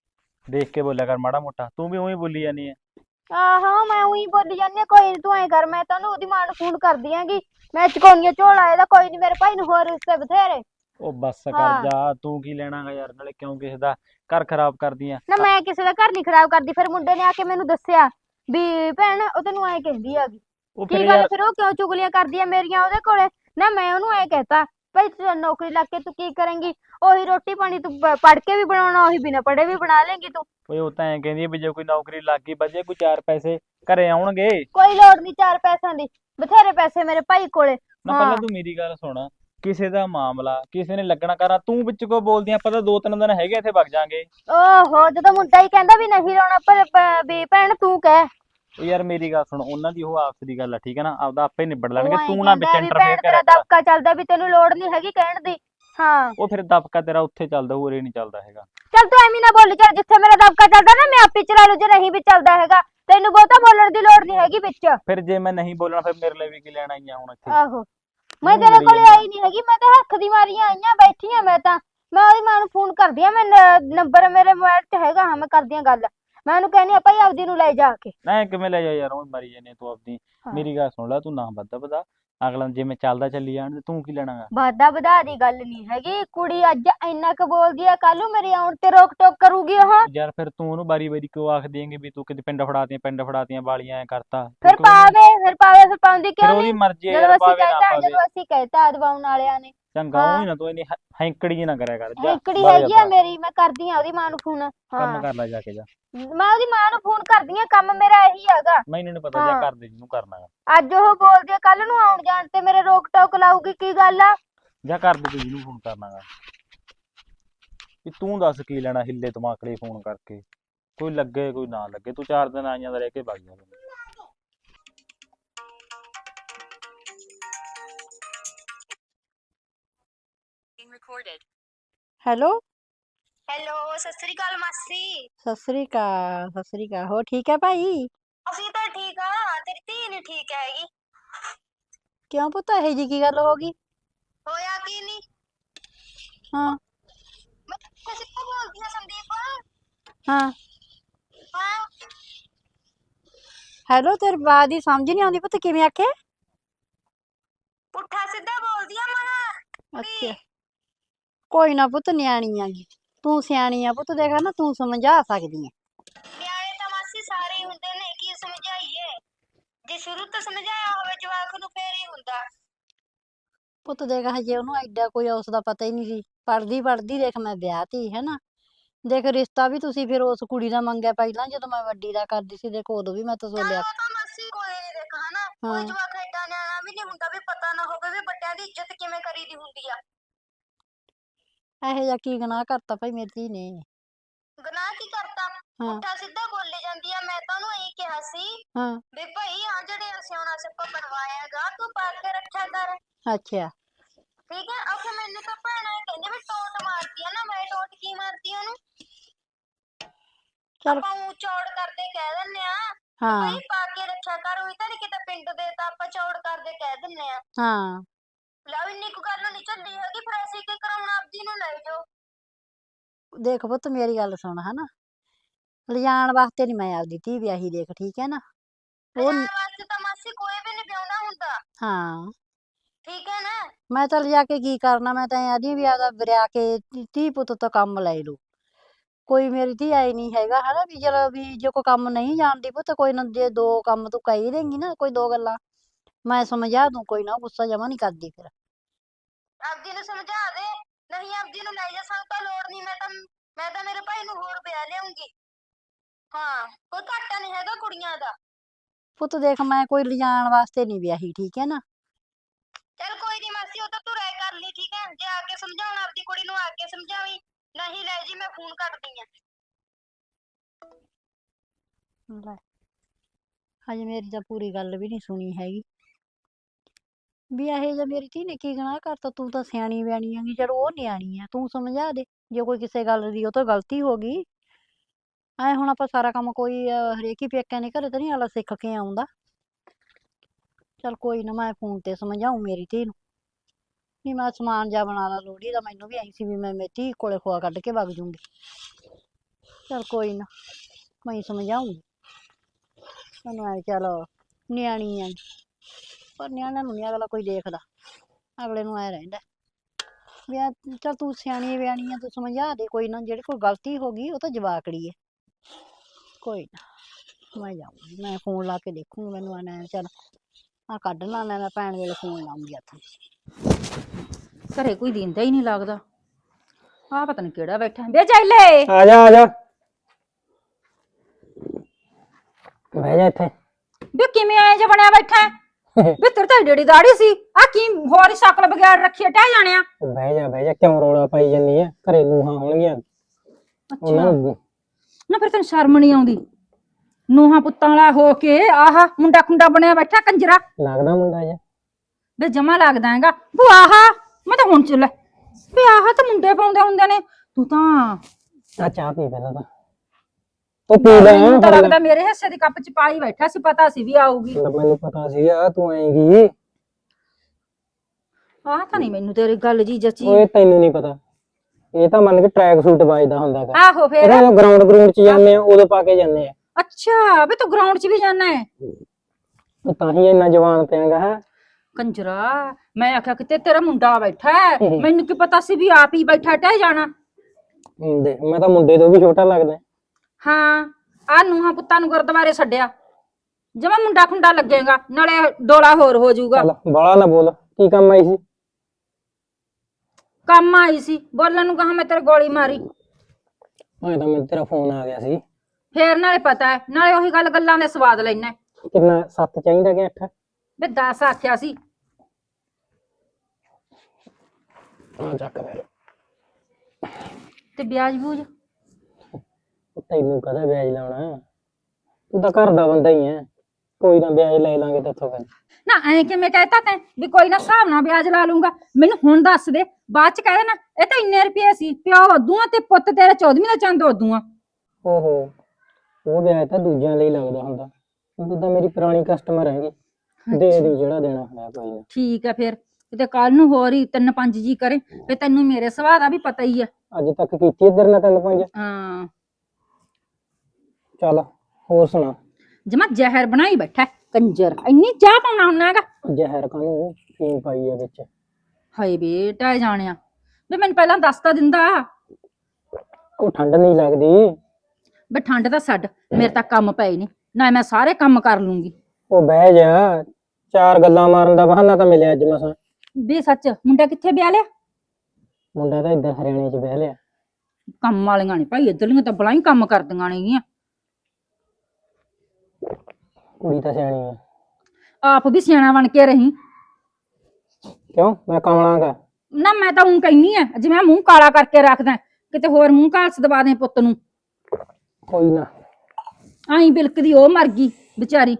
E: ਦੇਖ ਕੇ ਬੋਲਿਆ ਕਰ ਮਾੜਾ ਮੋਟਾ, ਤੂੰ ਵੀ ਉਹੀ ਬੋਲੀ ਜਾਨੀ ਆ।
D: ਆਹੋ ਮੈਂ ਉਹੀ ਬੋਲੀ ਜਾਂਦੀ ਹਾਂ, ਕੋਈ ਨੀ ਤੂੰ ਐ ਕਰ, ਮੈਂ ਤੈਨੂੰ ਉਹਦੀ ਮਾਂ ਨੂੰ ਫੋਨ ਕਰਦੀ ਆਂਗੀ, ਮੈਂ ਚੁਕਾਉਣੀ ਆ ਝੋਲਾ ਇਹਦਾ, ਕੋਈ ਨੀ ਮੇਰੇ ਭਾਈ ਨੂੰ ਹੋਰ ਰਿਸ਼ਤੇ ਬਥੇਰੇ।
E: ਉਹ ਬੱਸ ਕਰ
D: ਹਾਂ
E: ਜਾ, ਤੂੰ ਕੀ ਲੈਣਾਗਾ ਯਾਰ, ਨਾਲੇ ਕਿਉਂ ਕਿਸੇ ਦਾ ਘਰ ਖਰਾਬ ਕਰਦੀ ਆ?
D: ਨਾ ਮੈਂ ਕਿਸੇ ਦਾ ਘਰ ਨਹੀਂ ਖਰਾਬ ਕਰਦੀ, ਫਿਰ ਮੁੰਡੇ ਨੇ ਆ ਕੇ ਮੈਨੂੰ ਦੱਸਿਆ ਵੀ ਭੈਣ ਉਹ ਤੈਨੂੰ ਐ ਕਹਿੰਦੀ ਹੈਗੀ।
E: ਉਹ ਫਿਰ
D: ਕੀ ਗੱਲ
E: ਯਾਰ
D: ਫਿਰ ਉਹ ਕਿਉਂ ਚੁਗਲੀਆਂ ਕਰਦੀ ਆ ਮੇਰੀਆਂ ਉਹਦੇ ਕੋਲੇ? ਨਾ ਮੈਂ ਉਹਨੂੰ ਐ ਕਹਿਤਾ ਭਾਈ ਤੂੰ ਨੌਕਰੀ ਲੱਗ ਕੇ ਤੂੰ ਕੀ ਕਰੇਂਗੀ, ਉਹੀ ਰੋਟੀ ਪਾਣੀ ਤੂੰ ਪੜ ਕੇ ਵੀ ਬਣਾਉਣਾ, ਉਹੀ ਬਿਨਾ ਪੜੇ ਵੀ ਬਣਾ ਲੇਂਗੀ ਤੂੰ।
E: ਓਏ ਉਹ ਤਾਂ ਐਂ ਕਹਿੰਦੀ ਆ ਵੀ ਜੇ ਕੋਈ ਨੌਕਰੀ ਲੱਗ ਗਈ ਵਧੀਆ, ਕੋਈ ਚਾਰ ਪੈਸੇ ਘਰੇ ਆਉਣਗੇ।
D: ਕੋਈ ਲੋੜ ਨਹੀਂ ਚਾਰ ਪੈਸਿਆਂ ਦੀ, ਬਥੇਰੇ ਪੈਸੇ ਮੇਰੇ ਭਾਈ ਕੋਲੇ।
E: ਨਾ
D: ਹਾਂ
E: ਪਹਿਲਾਂ ਤੂੰ ਮੇਰੀ ਗੱਲ ਸੁਣ, ਕਿਸੇ ਦਾ ਮਾਮਲਾ ਕਿਸੇ ਨੇ ਲੱਗਣਾ ਕਰਾਂ, ਤੂੰ ਵਿੱਚ ਕੋ ਬੋਲਦੀ ਆ? ਆਪਾਂ ਤਾਂ ਦੋ ਤਿੰਨ ਦਿਨ ਹੈਗੇ ਇੱਥੇ ਵਗ ਜਾਾਂਗੇ।
D: ਓਹੋ ਜਦੋਂ ਮੁੰਡਾ ਹੀ ਕਹਿੰਦਾ ਵੀ ਨਹੀਂ ਲਾਉਣਾ, ਪਰ ਪ- ਵੀ ਭੈਣ ਤੂੰ ਕਹਿ।
E: ਉਹ ਯਾਰ ਮੇਰੀ ਗੱਲ ਸੁਣ, ਉਹਨਾਂ ਦੀ ਉਹ ਆਪਸ ਦੀ ਗੱਲ ਆ, ਠੀਕ ਹੈ ਨਾ, ਆਪਦਾ ਆਪੇ ਨਿਬੜ
D: ਉਹ
E: ਲੈਣਗੇ,
D: ਐਂ
E: ਤੂੰ ਨਾ ਵਿੱਚ
D: ਕਹਿੰਦਾ ਵੀ
E: ਇੰਟਰਫੇਅਰ
D: ਭੈਣ
E: ਕਰਿਆ
D: ਤੇਰਾ
E: ਕਰ।
D: ਦਬਕਾ ਚੱਲਦਾ ਵੀ ਤੈਨੂੰ ਲੋੜ ਨਹੀਂ ਹੈਗੀ ਕਹਿਣ ਦੀ। ਹਾਂ
E: ਉਹ ਫਿਰ ਦਬਕਾ ਤੇਰਾ ਉੱਥੇ ਚੱਲਦਾ, ਹੋਰ ਨਹੀਂ ਚੱਲਦਾ ਹੈਗਾ।
D: ਚੱਲ ਤੂੰ ਐਵੇਂ ਨਾ ਬੋਲੀ, ਚੱਲ ਜਿੱਥੇ ਮੇਰਾ ਦਬਕਾ ਚੱਲਦਾ ਨਾ ਮੈਂ ਆਪੇ ਚਲਾ ਲੂ, ਜੇ ਨਹੀਂ ਵੀ ਚੱਲਦਾ ਹੈਗਾ ਤੈਨੂੰ ਬਹੁਤਾ ਬੋਲਣ ਦੀ ਲੋੜ ਨਹੀਂ ਹੈਗੀ ਵਿੱਚ।
E: ਫਿਰ ਜੇ ਮੈਂ ਨਹੀਂ ਬੋਲਣਾ ਫਿਰ ਮੇਰੇ ਲਈ ਵੀ ਕੀ ਲੈਣ ਆਈਆਂ ਹੁਣ ਇੱਥੇ?
D: ਆਹੋ ਮੈਂ
E: ਤੂੰ
D: ਤੇਰੇ
E: ਲੜੀ
D: ਕੋਲੇ
E: ਜਾਂਦੀ ਆ।
D: ਆਈ ਨਹੀਂ ਹੈਗੀ, ਮੈਂ ਤਾਂ ਹੱਥ ਦੀ ਮਾਰੀਆਂ ਆਈਆਂ ਬੈਠੀਆਂ। ਮੈਂ ਤਾਂ ਮੈਂ ਉਹਦੀ ਮਾਂ ਨੂੰ ਫੋਨ ਕਰਦੀ ਆ, ਮੈਂ ਨੰਬਰ ਮੇਰੇ ਮੋਬਾਈਲ 'ਚ ਹੈਗਾ, ਹਾਂ ਮੈਂ ਕਰਦੀ ਆ ਗੱਲ। ਮੈਂ ਉਹਨੂੰ ਕਹਿੰਦੀ ਆ ਭਾਈ ਆਪਦੀ ਨੂੰ ਲੈ ਜਾ ਕੇ।
E: ਐ ਕਿਵੇਂ ਲੈ ਜਾ ਯਾਰ, ਉਹ ਮਰੀ ਜਾਨੇ ਤੂੰ ਆਪਦੀ।
D: ਹਾਂ।
E: ਮੇਰੀ ਗੱਲ ਸੁਣ ਲੈ, ਤੂੰ ਨਾ ਵੱਧਾ ਵਧਾ, ਅਗਲਾ ਜਿਵੇਂ ਚੱਲਦਾ ਚੱਲੀ ਜਾਣ, ਤੇ ਤੂੰ ਕੀ ਲੈਣਾਗਾ?
D: ਵਾਧਾ ਵਧਾ ਦੀ ਗੱਲ ਨਹੀਂ ਹੈਗੀ, ਕੁੜੀ ਅੱਜ ਇੰਨਾ ਕੁ ਬੋਲਦੀ ਆ, ਕੱਲ ਨੂੰ ਮੇਰੇ ਆਉਣ ਤੇ ਰੋਕ ਟੋਕ ਕਰੂਗੀ ਉਹ।
E: ਯਾਰ ਫਿਰ ਤੂੰ ਉਹਨੂੰ ਬਾਰੀ ਬਾਰੀ ਕਿਉਂ ਆਖ ਦੇਂਗੇ ਵੀ ਤੂੰ ਕਿਤੇ ਪਿੰਡ ਫੜਾਤੀਆਂ ਪਿੰਡ ਫੜਾਤੀਆਂ ਵਾਲੀਆਂ ਐ ਕਰਤਾ? ਤੂੰ
D: ਫਿਰ
E: ਕਿਉਂ ਨਹੀਂ-
D: ਪਾਵੇ ਫਿਰ ਪਾਵੇ ਫਿਰ ਪਾਉਂਦੀ
E: ਫਿਰ
D: ਕਿਉਂ
E: ਉਹਦੀ
D: ਨਹੀਂ?
E: ਮਰਜ਼ੀ ਹੈ
D: ਜਦੋਂ
E: ਯਾਰ,
D: ਅਸੀਂ
E: ਪਾਵੇ ਨਾ
D: ਕਹਿਤਾ
E: ਪਾਵੇ।
D: ਜਦੋਂ ਅਸੀਂ ਕਹਿਤਾ ਦਵਾਉਣ ਵਾਲਿਆਂ ਨੇ।
E: ਚੰਗਾ
D: ਹਾਂ।
E: ਉਹੀ ਨਾ ਤੂੰ ਇੰਨੀ ਹੈਂਕੜੀ ਜਿਹੀ ਨਾ ਕਰਿਆ ਕਰ, ਜਾ
D: ਇਕੜੀ
E: ਬਾਹਰ
D: ਹੈਗੀ
E: ਜਾ
D: ਆ ਮੇਰੀ, ਮੈਂ ਕਰਦੀ ਆ ਉਹਦੀ ਮਾਂ ਨੂੰ ਫੋਨ।
E: ਕੰਮ
D: ਹਾਂ
E: ਕਰ ਲੈ ਜਾ ਕੇ, ਜਾ।
D: ਮੈਂ ਉਹਦੀ ਮਾਂ ਨੂੰ ਫੋਨ ਕਰਦੀ ਆ, ਕੰਮ ਮੇਰਾ ਇਹੀ ਹੈਗਾ।
E: ਮੈਨੂੰ ਨੀ ਪਤਾ, ਜਾ
D: ਹਾਂ।
E: ਕਰ ਦੇ ਜਿਹਨੂੰ ਕਰਨਾਗਾ।
D: ਅੱਜ ਉਹ ਬੋਲਦੀ ਆ, ਕੱਲ ਨੂੰ ਆਉਣ ਜਾਣ ਤੇ ਮੇਰੇ ਰੋਕ ਟੋਕ ਲਾਊਗੀ, ਕੀ ਗੱਲ ਆ?
E: ਜਾ ਕਰ ਦੇ ਤੂੰ ਜਿਹਨੂੰ ਫੋਨ ਕਰਨਾਗਾ। ਵੀ ਤੂੰ ਦੱਸ ਕੀ ਲੈਣਾ ਹਿੱਲੇ ਦਿਮਾਗਲੇ ਫੋਨ ਕਰਕੇ, ਕੋਈ ਲੱਗੇ ਕੋਈ ਨਾ ਲੱਗੇ, ਤੂੰ ਚਾਰ ਦਿਨ ਆਈਆਂ ਦਾ ਰਹਿ ਕੇ ਵਗ ਜਾ।
F: ਹੈਲੋ,
D: ਹੈਲੋ ਸਤਿ ਸ੍ਰੀ ਅਕਾਲ ਮਾਸੀ।
F: ਸਤਿ ਸ੍ਰੀ ਅਕਾਲ, ਸਤਿ ਸ੍ਰੀ ਅਕਾਲ। ਹੋ ਠੀਕ ਹੈ ਭਾਈ?
D: ਅਸੀਂ ਤਾਂ ਠੀਕ ਆ, ਤੇਰੀ ਧੀ ਨੀ ਠੀਕ ਹੈਗੀ।
F: ਕਿਉਂ ਪੁੱਤ, ਇਹੋ ਜੀ ਕੀ ਗੱਲ ਹੋ ਗਈ?
D: ਹੋਇਆ ਕੀ ਨਹੀਂ?
F: ਹਾਂ
D: ਮੈਂ ਕਿਸੇ ਤੋਂ ਬੋਲਦੀ ਆ ਸੰਦੀਪ।
F: ਹਾਂ
D: ਹਾਂ
F: ਹੈਲੋ, ਤੇਰੀ ਆਵਾਜ਼ ਦੀ ਸਮਝ ਨਹੀਂ ਆਉਂਦੀ ਪੁੱਤ, ਕਿਵੇਂ ਆਖੇ?
D: ਪੁੱਠਾ ਸਿੱਧਾ ਬੋਲਦੀ ਆ ਮਨਾ।
F: ਅੱਛਾ, ਕੋਈ ਨਾ ਪੁੱਤ, ਨਿਆਣੀ ਆਗੀ ਤੂੰ, ਸਿਆਣੀ ਆ ਪੁੱਤ, ਦੇਖਾ ਨਾ ਤੂੰ ਸਮਝਾ ਸਕਦੀ ਆ।
D: ਨਿਆਣੇ ਤਾਂ ਮਾਸੀ ਸਾਰੇ ਹੀ ਹੁੰਦੇ ਨੇ, ਕੀ ਸਮਝਾਈਏ? ਜੇ ਸ਼ੁਰੂ ਤੋਂ ਸਮਝਾਇਆ ਹੋਵੇ ਜਵਾਕ ਨੂੰ ਫੇਰ ਹੀ ਹੁੰਦਾ।
F: ਪੁੱਤ ਦੇਖ, ਹਜੇ ਉਹਨੂੰ ਐਡਾ ਕੋਈ ਉਸ ਦਾ ਪਤਾ ਹੀ ਨਹੀਂ ਸੀ, ਪੜਦੀ ਪੜਦੀ ਦੇਖ ਮੈਂ ਵਿਆਹ ਤੀ ਹੈ ਨਾ, ਦੇਖ ਰਿਸ਼ਤਾ ਵੀ ਤੁਸੀਂ ਫਿਰ ਉਸ ਕੁੜੀ ਦਾ ਮੰਗਿਆ ਪਹਿਲਾਂ ਜਦੋਂ ਮੈਂ ਵੱਡੀ ਦਾ ਕਰਦੀ ਸੀ, ਦੇਖੋ ਉਦੋਂ ਵੀ ਮੈਂ ਤਾਂ
D: ਚੱਲ
F: ਸੋਲਿਆ।
D: ਉਹ ਤਾਂ ਮਾਸੀ ਕੋਈ ਨਹੀਂ ਦੇਖ ਹਨਾ, ਕੋਈ
F: ਹਾਂ
D: ਜਵਾਕ ਏਡਾ ਨਿਆਣਾ ਵੀ ਨਹੀਂ ਹੁੰਦਾ ਵੀ ਪਤਾ ਨਾ ਹੋਵੇ ਵੀ ਵੱਡਿਆਂ ਦੀ ਇੱਜ਼ਤ ਕਿਵੇਂ ਕਰੀਦੀ ਹੁੰਦੀ ਆ।
F: ਇਹੋ ਜਿਹਾ ਕੀ ਗੁਨਾਹ ਕਰਤਾ ਭਾਈ ਮੇਰੀ ਧੀ ਨੇ?
D: ਗੁਨਾਹ ਕੀ ਕਰਤਾ?
F: ਹਾਂ
D: ਪੁੱਠਾ ਸਿੱਧਾ ਬੋਲੀ ਜਾਂਦੀ ਆ। ਮੈਂ ਤਾਂ ਉਹਨੂੰ ਇਹੀ ਕਿਹਾ ਸੀ
F: ਹਾਂ
D: ਵੀ ਭਾਈ ਆ ਜਿਹੜੇ ਸਿਆਉਣਾ ਸਿੱਪਾ ਬਣਵਾਇਆਗਾ ਤੂੰ ਪਾ ਕੇ ਰੱਖਿਆ ਕਰ।
F: ਅੱਛਾ
D: ਠੀਕ ਹੈ। ਆਖੇ ਮੈਨੂੰ ਤਾਂ ਭੈਣ ਇਹ ਕਹਿੰਦੀ ਵੀ ਟੋਟ ਮਾਰਦੀ ਆ ਨਾ, ਮੈਂ ਟੋਟ ਕੀ ਮਾਰਦੀ ਉਹਨੂੰ?
F: ਚੱਲ
D: ਆਪਾਂ ਊਂ ਚੌੜ ਕਰਦੇ ਕਹਿ ਦਿੰਨੇ ਆ ਵੀ
F: ਹਾਂ
D: ਭਾਈ ਪਾ ਕੇ ਰੱਖਿਆ ਕਰ, ਉਹੀ ਤਾਂ ਨੀ ਕਿਤੇ ਪਿੰਡ ਦੇ ਤਾਂ ਆਪਾਂ ਚੌੜ ਕਰਦੇ ਕਹਿ ਦਿੰਨੇ ਆ।
F: ਹਾਂ
D: ਲਓ ਇੰਨੀ ਕੁ ਗੱਲ ਨਹੀਂ ਚੱਲੀ ਹੈਗੀ, ਫਿਰ ਅਸੀਂ ਕੀ ਕਰਾਉਣਾ, ਆਪਦੀ ਨੂੰ ਲੈ ਜਾਓ।
F: ਦੇਖ ਪੁੱਤ ਮੇਰੀ ਗੱਲ ਸੁਣ ਹਨਾ, ਲਿਜਾਣ ਵਾਸਤੇ ਨਹੀਂ ਮੈਂ ਆਪਦੀ ਧੀ ਵਿਆਹੀ, ਦੇਖ ਠੀਕ ਹੈ ਨਾ। ਉਹ
D: ਲਿਜਾਣ ਵਾਸਤੇ ਤਾਂ ਮਾਸੀ ਕੋਈ ਵੀ ਨਹੀਂ ਵਿਆਹੁੰਦਾ ਹੁੰਦਾ।
F: ਹਾਂ
D: ਠੀਕ ਹੈ ਨਾ।
F: ਮੈਂ ਤਾਂ ਲਿਜਾ ਕੇ ਕੀ ਕਰਨਾ, ਮੈਂ ਤਾਂ ਆਦੀ ਵੀ ਆਦਾ ਵਿਰਿਆ ਕੇ ਧੀ ਧੀ ਪੁੱਤ ਤੋਂ ਕੰਮ ਲੈ ਲੂ। ਕੋਈ ਮੇਰੀ ਧੀ ਆਈ ਨਹੀਂ ਹੈਗਾ ਹਨਾ, ਵੀ ਚਲੋ ਵੀ ਜੇ ਕੋਈ ਕੰਮ ਨਹੀਂ ਜਾਣਦੀ ਪੁੱਤ ਕੋਈ ਨਾ, ਜੇ ਦੋ ਕੰਮ ਤੂੰ ਕਹੀ ਦੇਂਗੀ ਨਾ, ਕੋਈ ਦੋ ਗੱਲਾਂ ਮੈਂ ਸਮਝਾ ਦੂੰ, ਕੋਈ ਨਾ ਗੁੱਸਾ ਜਮਾ ਨਹੀਂ ਕਰਦੀ ਫਿਰ।
D: ਆਪਦੀ ਨੂੰ ਸਮਝਾ ਦੇ, ਨਹੀਂ ਆਪਦੀ ਨੂੰ ਲੈ ਜਾ, ਸਾਨੂੰ ਤਾਂ ਲੋੜ ਨਹੀਂ। ਮੈਂ ਤਾਂ ਮੈਂ ਤਾਂ ਮੇਰੇ ਭਾਈ ਨੂੰ ਹੋਰ ਵਿਆਹ ਲਿਆਉਂਗੀ। ਹਾਂ ਕੋਈ ਘਾਟਾ ਨਹੀਂ ਹੈਗਾ ਕੁੜੀਆਂ ਦਾ।
F: ਪੁੱਤ ਦੇਖ ਮੈਂ ਕੋਈ ਲਿਜਾਣ ਵਾਸਤੇ ਨਹੀਂ ਵਿਆਹੀ, ਠੀਕ ਹੈ ਨਾ।
D: ਚੱਲ ਕੋਈ ਨਹੀਂ ਮਾਸੀ, ਉਹ ਤਾਂ ਤੂੰ ਰਾਏ ਕਰ ਲਈ। ਠੀਕ ਹੈ, ਜੇ ਆ ਕੇ ਸਮਝਾਉਣਾ ਆਪਦੀ ਕੁੜੀ ਨੂੰ ਆ ਕੇ ਸਮਝਾਵੀਂ, ਨਹੀਂ ਲੈ ਜੀ ਮੈਂ ਫੋਨ ਕੱਟਦੀ ਆ।
F: ਲੈ ਹਜੇ ਮੇਰੀ ਤਾਂ ਪੂਰੀ ਗੱਲ ਵੀ ਨਹੀਂ ਸੁਣੀ ਹੈਗੀ, ਵੀ ਇਹੋ ਜਿਹਾ ਮੇਰੀ ਧੀ ਨੇ ਕੀ ਗੁਨਾਹ ਕਰਤਾ? ਤੂੰ ਤਾਂ ਸਿਆਣੀ ਬਿਆਣੀ ਹੈਗੀ, ਚਲੋ ਉਹ ਨਿਆਣੀ ਆ, ਤੂੰ ਸਮਝਾ ਦੇ ਜੇ ਕੋਈ ਕਿਸੇ ਗੱਲ ਦੀ ਉਹ ਤੋਂ ਗਲਤੀ ਹੋ ਗਈ। ਐ ਹੁਣ ਆਪਾਂ ਸਾਰਾ ਕੰਮ ਕੋਈ ਅਹ, ਹਰੇਕ ਹੀ ਪੇਕਿਆਂ ਦੇ ਘਰੇ ਤਾਂ ਨਹੀਂ ਆਲਾ ਸਿੱਖ ਕੇ ਆਉਂਦਾ। ਚੱਲ ਕੋਈ ਨਾ ਮੈਂ ਫੋਨ ਤੇ ਸਮਝਾਉ ਮੇਰੀ ਧੀ ਨੂੰ, ਨਹੀਂ ਮੈਂ ਸਮਾਨ ਜਾ ਬਣਾ ਲਾ ਲੋਹੜੀ ਦਾ, ਮੈਨੂੰ ਵੀ ਆਈ ਸੀ ਵੀ ਮੈਂ ਮੇਰੀ ਧੀ ਕੋਲੇ ਖੋਆ ਕੱਢ ਕੇ ਵਗ ਜੂੰਗੀ। ਚੱਲ ਕੋਈ ਨਾ ਮੈਂ ਹੀ ਸਮਝਾਉਂਗੀ ਮੈਨੂੰ, ਐ ਚੱਲ ਨਿਆਣੀ ਆ, ਪਰ ਨਿਆਣਿਆਂ ਨੂੰ ਨਹੀਂ ਅਗਲਾ ਕੋਈ ਦੇਖਦਾ, ਅਗਲੇ ਨੂੰ ਐ ਰਹਿੰਦਾ ਵੀ ਆ ਚੱਲ ਤੂੰ ਸਿਆਣੀ ਬਿਆਣੀ ਆ, ਤੂੰ ਸਮਝਾ ਦੇ ਕੋਈ ਨਾ, ਜਿਹੜੀ ਕੋਈ ਗਲਤੀ ਹੋ ਗਈ ਉਹ ਤਾਂ ਜਵਾਕੜੀ ਹੈ। ਕੋਈ ਨਾ ਮੈਂ ਜਾਊਂਗੀ, ਮੈਂ ਫੋਨ ਲਾ ਕੇ ਦੇਖੂੰਗੀ, ਮੈਨੂੰ ਆਣਾ ਚੱਲ ਆ ਕੱਢ ਲਾ, ਮੈਂ ਭੈਣ ਵੇਲੇ ਫੋਨ ਲਾਉਂਗੀ ਹੱਥ।
G: ਘਰੇ ਕੋਈ ਦਿੰਦਾ ਹੀ ਨਹੀਂ ਲੱਗਦਾ। ਆ ਪਤਾ ਨੀ ਕਿਹੜਾ ਬੈਠਾ ਬੇ ਚਾਈਲੇ।
A: ਆ ਜਾ ਆ ਜਾ, ਬਹਿ ਜਾ ਇੱਥੇ।
G: ਬੇ ਕਿਵੇਂ ਆਏ ਜੇ ਬਣਿਆ ਬੈਠਾ ਬੇ? ਤੇਰੇ ਤਾਂ ਜਿਹੜੀ ਦਾੜੀ ਸੀ ਆ ਕੀ ਹੋਰ ਹੀ ਸ਼ਕਲ ਬਗੈਰ ਰੱਖੀ ਟਹਿ ਜਾਣਿਆ।
A: ਬਹਿ ਜਾ ਬਹਿ ਜਾ, ਕਿਉਂ ਰੌਲਾ ਪਾਈ ਜੰਨੀ ਆ? ਘਰੇ ਨੂੰਹਾਂ ਹੋਣਗੀਆਂ ਉਹਨਾਂ ਨੂੰ।
G: ਨਾ ਫਿਰ ਤੈਨੂੰ ਸ਼ਰਮ ਨਹੀਂ ਆਉਂਦੀ? ਨੂੰਹਾਂ ਪੁੱਤਾਂ ਵਾਲਾ ਹੋ ਕੇ ਆਹ ਮੁੰਡਾ ਖੁੰਡਾ ਬਣਿਆ ਬੈਠਾ ਕੰਜਰਾ।
A: ਲੱਗਦਾ ਮੁੰਡਾ ਜਾ
G: ਬੇ ਜਮਾ ਲੱਗਦਾ ਹੈਗਾ ਬੂ। ਆਹ ਮੈਂ ਤਾਂ ਹੁਣ ਚੱਲ ਬੇ, ਆਹ ਤਾਂ ਮੁੰਡੇ ਪਾਉਂਦੇ ਹੁੰਦੇ ਨੇ, ਤੂੰ ਤਾਂ
A: ਆ ਚਾਹ ਪੀ ਪਹਿਲਾਂ ਤਾਂ। ਉਹ ਪੀ ਲੈ,
G: ਮੈਨੂੰ ਤਾਂ ਲੱਗਦਾ ਮੇਰੇ ਹਿੱਸੇ ਦੀ ਕੱਪ ਚ ਪਾਈ ਬੈਠਾ ਸੀ, ਪਤਾ ਸੀ ਵੀ ਆਊਗੀ।
A: ਮੈਨੂੰ ਪਤਾ ਸੀਗਾ ਤੂੰ ਆਏਂਗੀ।
G: ਆਹ ਤਾਂ ਨਹੀਂ ਮੈਨੂੰ ਤੇਰੀ ਗੱਲ ਜੀ ਜੱਚੀ।
A: ਓਏ ਤੈਨੂੰ ਨਹੀਂ ਪਤਾ, ਇਹ ਤਾਂ ਮੰਨ ਕੇ ਟਰੈਕ ਸੂਟ ਵੱਜਦਾ ਹੁੰਦਾ ਗਾ।
G: ਆਹੋ ਫੇਰ
A: ਇਹਦਾ ਗਰਾਊਂਡ ਗਰਾਊਂਡ ਚ ਜਾਂਦੇ ਆ ਉਦੋਂ ਪਾ ਕੇ ਜਾਂਦੇ ਆ।
G: ਅੱਛਾ ਬੇ ਤੂੰ ਗਰਾਊਂਡ ਚ ਵੀ ਜਾਣਾ ਹੈ?
A: ਉਹ ਤਾਂ ਹੀ ਇੰਨਾ ਜਵਾਨ ਪਿਆਗਾ ਹੈ
G: ਕੰਜਰਾ, ਮੈਂ ਆਖਿਆ ਕਿਤੇ ਤੇਰਾ ਮੁੰਡਾ ਬੈਠਾ ਹੈ, ਮੈਨੂੰ ਕੀ ਪਤਾ ਸੀ ਵੀ ਆਪ ਹੀ ਬੈਠਾ ਟਹਿ ਜਾਣਾ।
A: ਦੇਖ ਮੈਂ ਤਾਂ ਮੁੰਡੇ ਤੋਂ ਵੀ ਛੋਟਾ ਲੱਗਦਾ।
G: ਹਾਂ ਆ ਨੂੰਹਾਂ ਪੁੱਤਾਂ ਨੂੰ ਗੁਰਦੁਆਰੇ ਛੱਡਿਆ, ਜਮਾ ਮੁੰਡਾ ਖੁੰਡਾ ਲੱਗੇਗਾ, ਨਾਲੇ ਡੋਲਾ ਹੋਰ ਹੋ ਜਾਊਗਾ।
A: ਚੱਲ ਬਾਲਾ ਨਾ ਬੋਲ, ਕੀ ਕੰਮ ਆਈ ਸੀ?
G: ਕੰਮ ਆਈ ਸੀ, ਬੋਲਣ ਨੂੰ ਕਹਾ ਮੈਂ ਤੇਰੇ ਗੋਲੀ ਮਾਰੀ।
A: ਹਾਂ ਤਾਂ ਮੈਨੂੰ ਤੇਰਾ ਫੋਨ ਆ ਗਿਆ ਸੀ।
G: ਫੇਰ ਨਾਲੇ ਪਤਾ ਹੈ, ਨਾਲੇ ਉਹੀ ਗੱਲ ਗੱਲਾਂ ਦੇ ਸਵਾਦ ਲੈਣਾ।
A: ਕਿੰਨਾ, ਸੱਤ ਚਾਹੀਦਾ ਕਿ ਅੱਠ?
G: ਵੇ ਦਸ ਆਖਿਆ ਸੀ।
A: ਆ ਚੱਕ ਫਿਰ।
G: ਤੇ ਵਿਆਜ ਬੂਜ?
A: ਤੈਨੂੰ ਕਦੇ ਵਿਆਜ ਲਾਉਣਾ? ਤੂੰ ਤਾਂ ਘਰ ਦਾ ਬੰਦਾ ਹੀ ਹੈ, ਕੋਈ ਨਾ ਵਿਆਜ ਲੈ ਲਾਂਗੇ ਤੇਥੋਂ ਫਿਰ।
G: ਨਾ ਐ ਕਿਵੇਂ ਕਹਿਤਾ ਤੈਂ ਵੀ ਕੋਈ ਨਾ ਹਿਸਾਬ ਨਾਲ ਵਿਆਜ ਲਾ ਲੂੰਗਾ? ਮੈਨੂੰ ਹੁਣ ਦੱਸ ਦੇ, ਬਾਅਦ ਚ ਕਹਿ ਦੇਣਾ ਇਹ ਤਾਂ ਇੰਨੇ ਰੁਪਏ ਸੀ, ਪਿਓ ਉਦੋਂ ਆ ਤੇ ਪੁੱਤ ਤੇਰਾ ਚੌਦਵੀਂ ਦਾ ਚੰਦ ਉਦੋਂ ਆ।
A: ਓਹੋ, ਉਹ ਵਿਆਜ ਤਾਂ ਦੂਜਿਆਂ ਲਈ ਲੱਗਦਾ ਹੁੰਦਾ, ਤੂੰ ਤਾਂ ਮੇਰੀ ਪੁਰਾਣੀ ਕਸਟਮਰ ਹੈਗੀ, ਦੇ ਦੀ ਜਿਹੜਾ ਦੇਣਾ ਹੋਇਆ ਕੋਈ ਨਾ।
G: ਠੀਕ ਹੈ ਫਿਰ, ਕਿਤੇ ਕੱਲ ਨੂੰ ਹੋਰ ਹੀ ਤਿੰਨ ਪੰਜ ਜੀ ਕਰੇ, ਫੇ ਤੈਨੂੰ ਮੇਰੇ ਸੁਭਾਅ ਦਾ ਵੀ ਪਤਾ ਹੀ ਆ।
A: ਅੱਜ ਤੱਕ ਕੀਤੀ ਇਧਰ ਨਾ ਤਿੰਨ ਪੰਜ।
G: ਹਾਂ
A: ਚੱਲ ਹੋਰ ਸੁਣਾ।
G: ਜਮਾ ਜ਼ਹਿਰ ਬਣਾਈ ਬੈਠਾ ਕੰਜਰ, ਇੰਨੀ ਚਾਹ ਪਾਉਣਾ ਹੁੰਦਾ ਹੈਗਾ।
A: ਜ਼ਹਿਰ ਕਾਹਨੂੰ, ਫੀਮ ਪਾਈ ਆ ਵਿੱਚ।
G: ਹਾਏ ਬੇਟਾ ਜਾਣਿਆ ਵੀ ਮੈਨੂੰ ਪਹਿਲਾਂ ਦੱਸ ਤਾਂ ਦਿੰਦਾ।
A: ਉਹ ਠੰਡ ਨਹੀਂ ਲੱਗਦੀ।
G: ਬੇ ਠੰਡ ਤਾਂ ਛੱਡ, ਮੇਰੇ ਤਾਂ ਕੰਮ ਪਏ ਨਹੀਂ ਨਾ, ਮੈਂ ਸਾਰੇ ਕੰਮ ਕਰ ਲੂੰਗੀ।
A: ਉਹ ਬਹਿ ਜਾ, ਚਾਰ ਗੱਲਾਂ ਮਾਰਨ ਦਾ ਬਹਾਨਾ ਤਾਂ ਮਿਲਿਆ ਅੱਜ ਮਸਾਂ।
G: ਬੇ ਸੱਚ ਮੁੰਡਾ ਕਿੱਥੇ ਵਿਆਹ ਲਿਆ?
A: ਮੁੰਡਾ ਤਾਂ ਇੱਧਰ ਹਰਿਆਣੇ ਚ ਵਿਆਹ ਲਿਆ।
G: ਕੰਮ ਵਾਲੀਆਂ ਨਹੀਂ ਭਾਈ, ਇੱਧਰਲੀਆਂ ਤਾਂ ਬੜਾ ਹੀ ਕੰਮ ਕਰਦੀਆਂ ਨੇਗੀਆਂ।
H: ਕੁੜੀ ਤਾਂ ਸਿਆਣੀ ਆ।
G: ਆਪ ਵੀ ਸਿਆਣਾ ਬਣ ਕੇ ਰਹੀ।
H: ਕਿਉਂ ਮੈਂ ਕਮਲਾਂਗਾ?
G: ਨਾ ਮੈਂ ਤਾਂ ਉਂ ਕਹਿਨੀ ਆ ਜਿਵੇਂ ਮੂੰਹ ਕਾਲਾ ਕਰਕੇ ਰੱਖਦਾ, ਕਿਤੇ ਹੋਰ ਮੂੰਹ ਕਾਲਸ ਦਵਾ ਦੇ ਪੁੱਤ ਨੂੰ।
H: ਕੋਈ ਨਾ।
G: ਆਈ ਬਿਲਕਦੀ ਉਹ ਮਰ ਗਈ ਵਿਚਾਰੀ।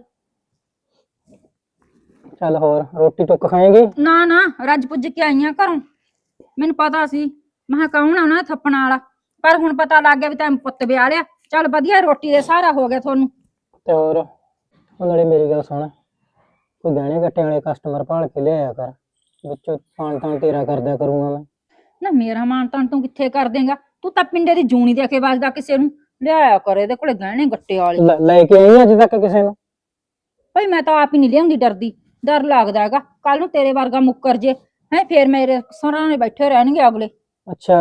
H: ਚੱਲ ਹੋਰ ਰੋਟੀ ਟੁੱਕ ਖਾਏਂਗੀ?
G: ਨਾ ਨਾ ਰੱਜ ਪੁੱਜ ਕੇ ਆਈਆਂ ਘਰੋਂ, ਮੈਨੂੰ ਪਤਾ ਸੀ ਮੈਂ ਕਿਹਾ ਕੌਣ ਆਉਣਾ ਥੱਪਣ ਵਾਲਾ, ਪਰ ਹੁਣ ਪਤਾ ਲੱਗ ਗਿਆ ਵੀ ਤੈਨੂੰ ਪੁੱਤ ਵਿਆਹ ਲਿਆ। ਚੱਲ ਵਧੀਆ, ਰੋਟੀ ਦੇ ਸਹਾਰਾ ਹੋ ਗਿਆ ਤੁਹਾਨੂੰ।
H: ਤੇ ਹੋਰ ਉਹ ਨਾਲੇ ਮੇਰੀ ਗੱਲ ਸੁਣ, ਕੋਈ ਗਹਿਣੇ ਗੱਟੇ ਵਾਲੇ ਕਸਟਮਰ ਭਾਲ ਕੇ ਲਿਆਇਆ ਕਰ, ਵਿੱਚੋਂ ਖਾਣ ਤਾਂ ਤੇਰਾ ਕਰਦਿਆ ਕਰੂੰਗਾ ਮੈਂ।
G: ਨਾ ਮੇਰਾ ਮਾਨ ਤਾਨ ਤੂੰ ਕਿੱਥੇ ਕਰ ਦੇਂਗਾ, ਤੂੰ ਤਾਂ ਪਿੰਡੇ ਦੀ ਜੂਣੀ ਦੇ ਕੇ ਵੱਜਦਾ ਕਿਸੇ ਨੂੰ। ਲਿਆਇਆ ਕਰ ਇਹਦੇ ਕੋਲੇ ਗਹਿਣੇ ਗੱਟੇ ਵਾਲੇ।
H: ਲੈ- ਲੈ ਕੇ ਆਈ ਅੱਜ ਤੱਕ ਕਿਸੇ ਨੂੰ?
G: ਭਾਈ ਮੈਂ ਤਾਂ ਆਪ ਹੀ ਨਹੀਂ ਲਿਆਉਂਦੀ, ਡਰਦੀ। ਡਰ ਲੱਗਦਾ ਹੈਗਾ ਕੱਲ ਨੂੰ ਤੇਰੇ ਵਰਗਾ ਮੁੱਕਰ ਜੇ ਹੈ, ਫੇਰ ਮੇਰੇ ਸਰਾਣੇ ਬੈਠੇ ਰਹਿਣਗੇ ਅਗਲੇ।
H: ਅੱਛਾ,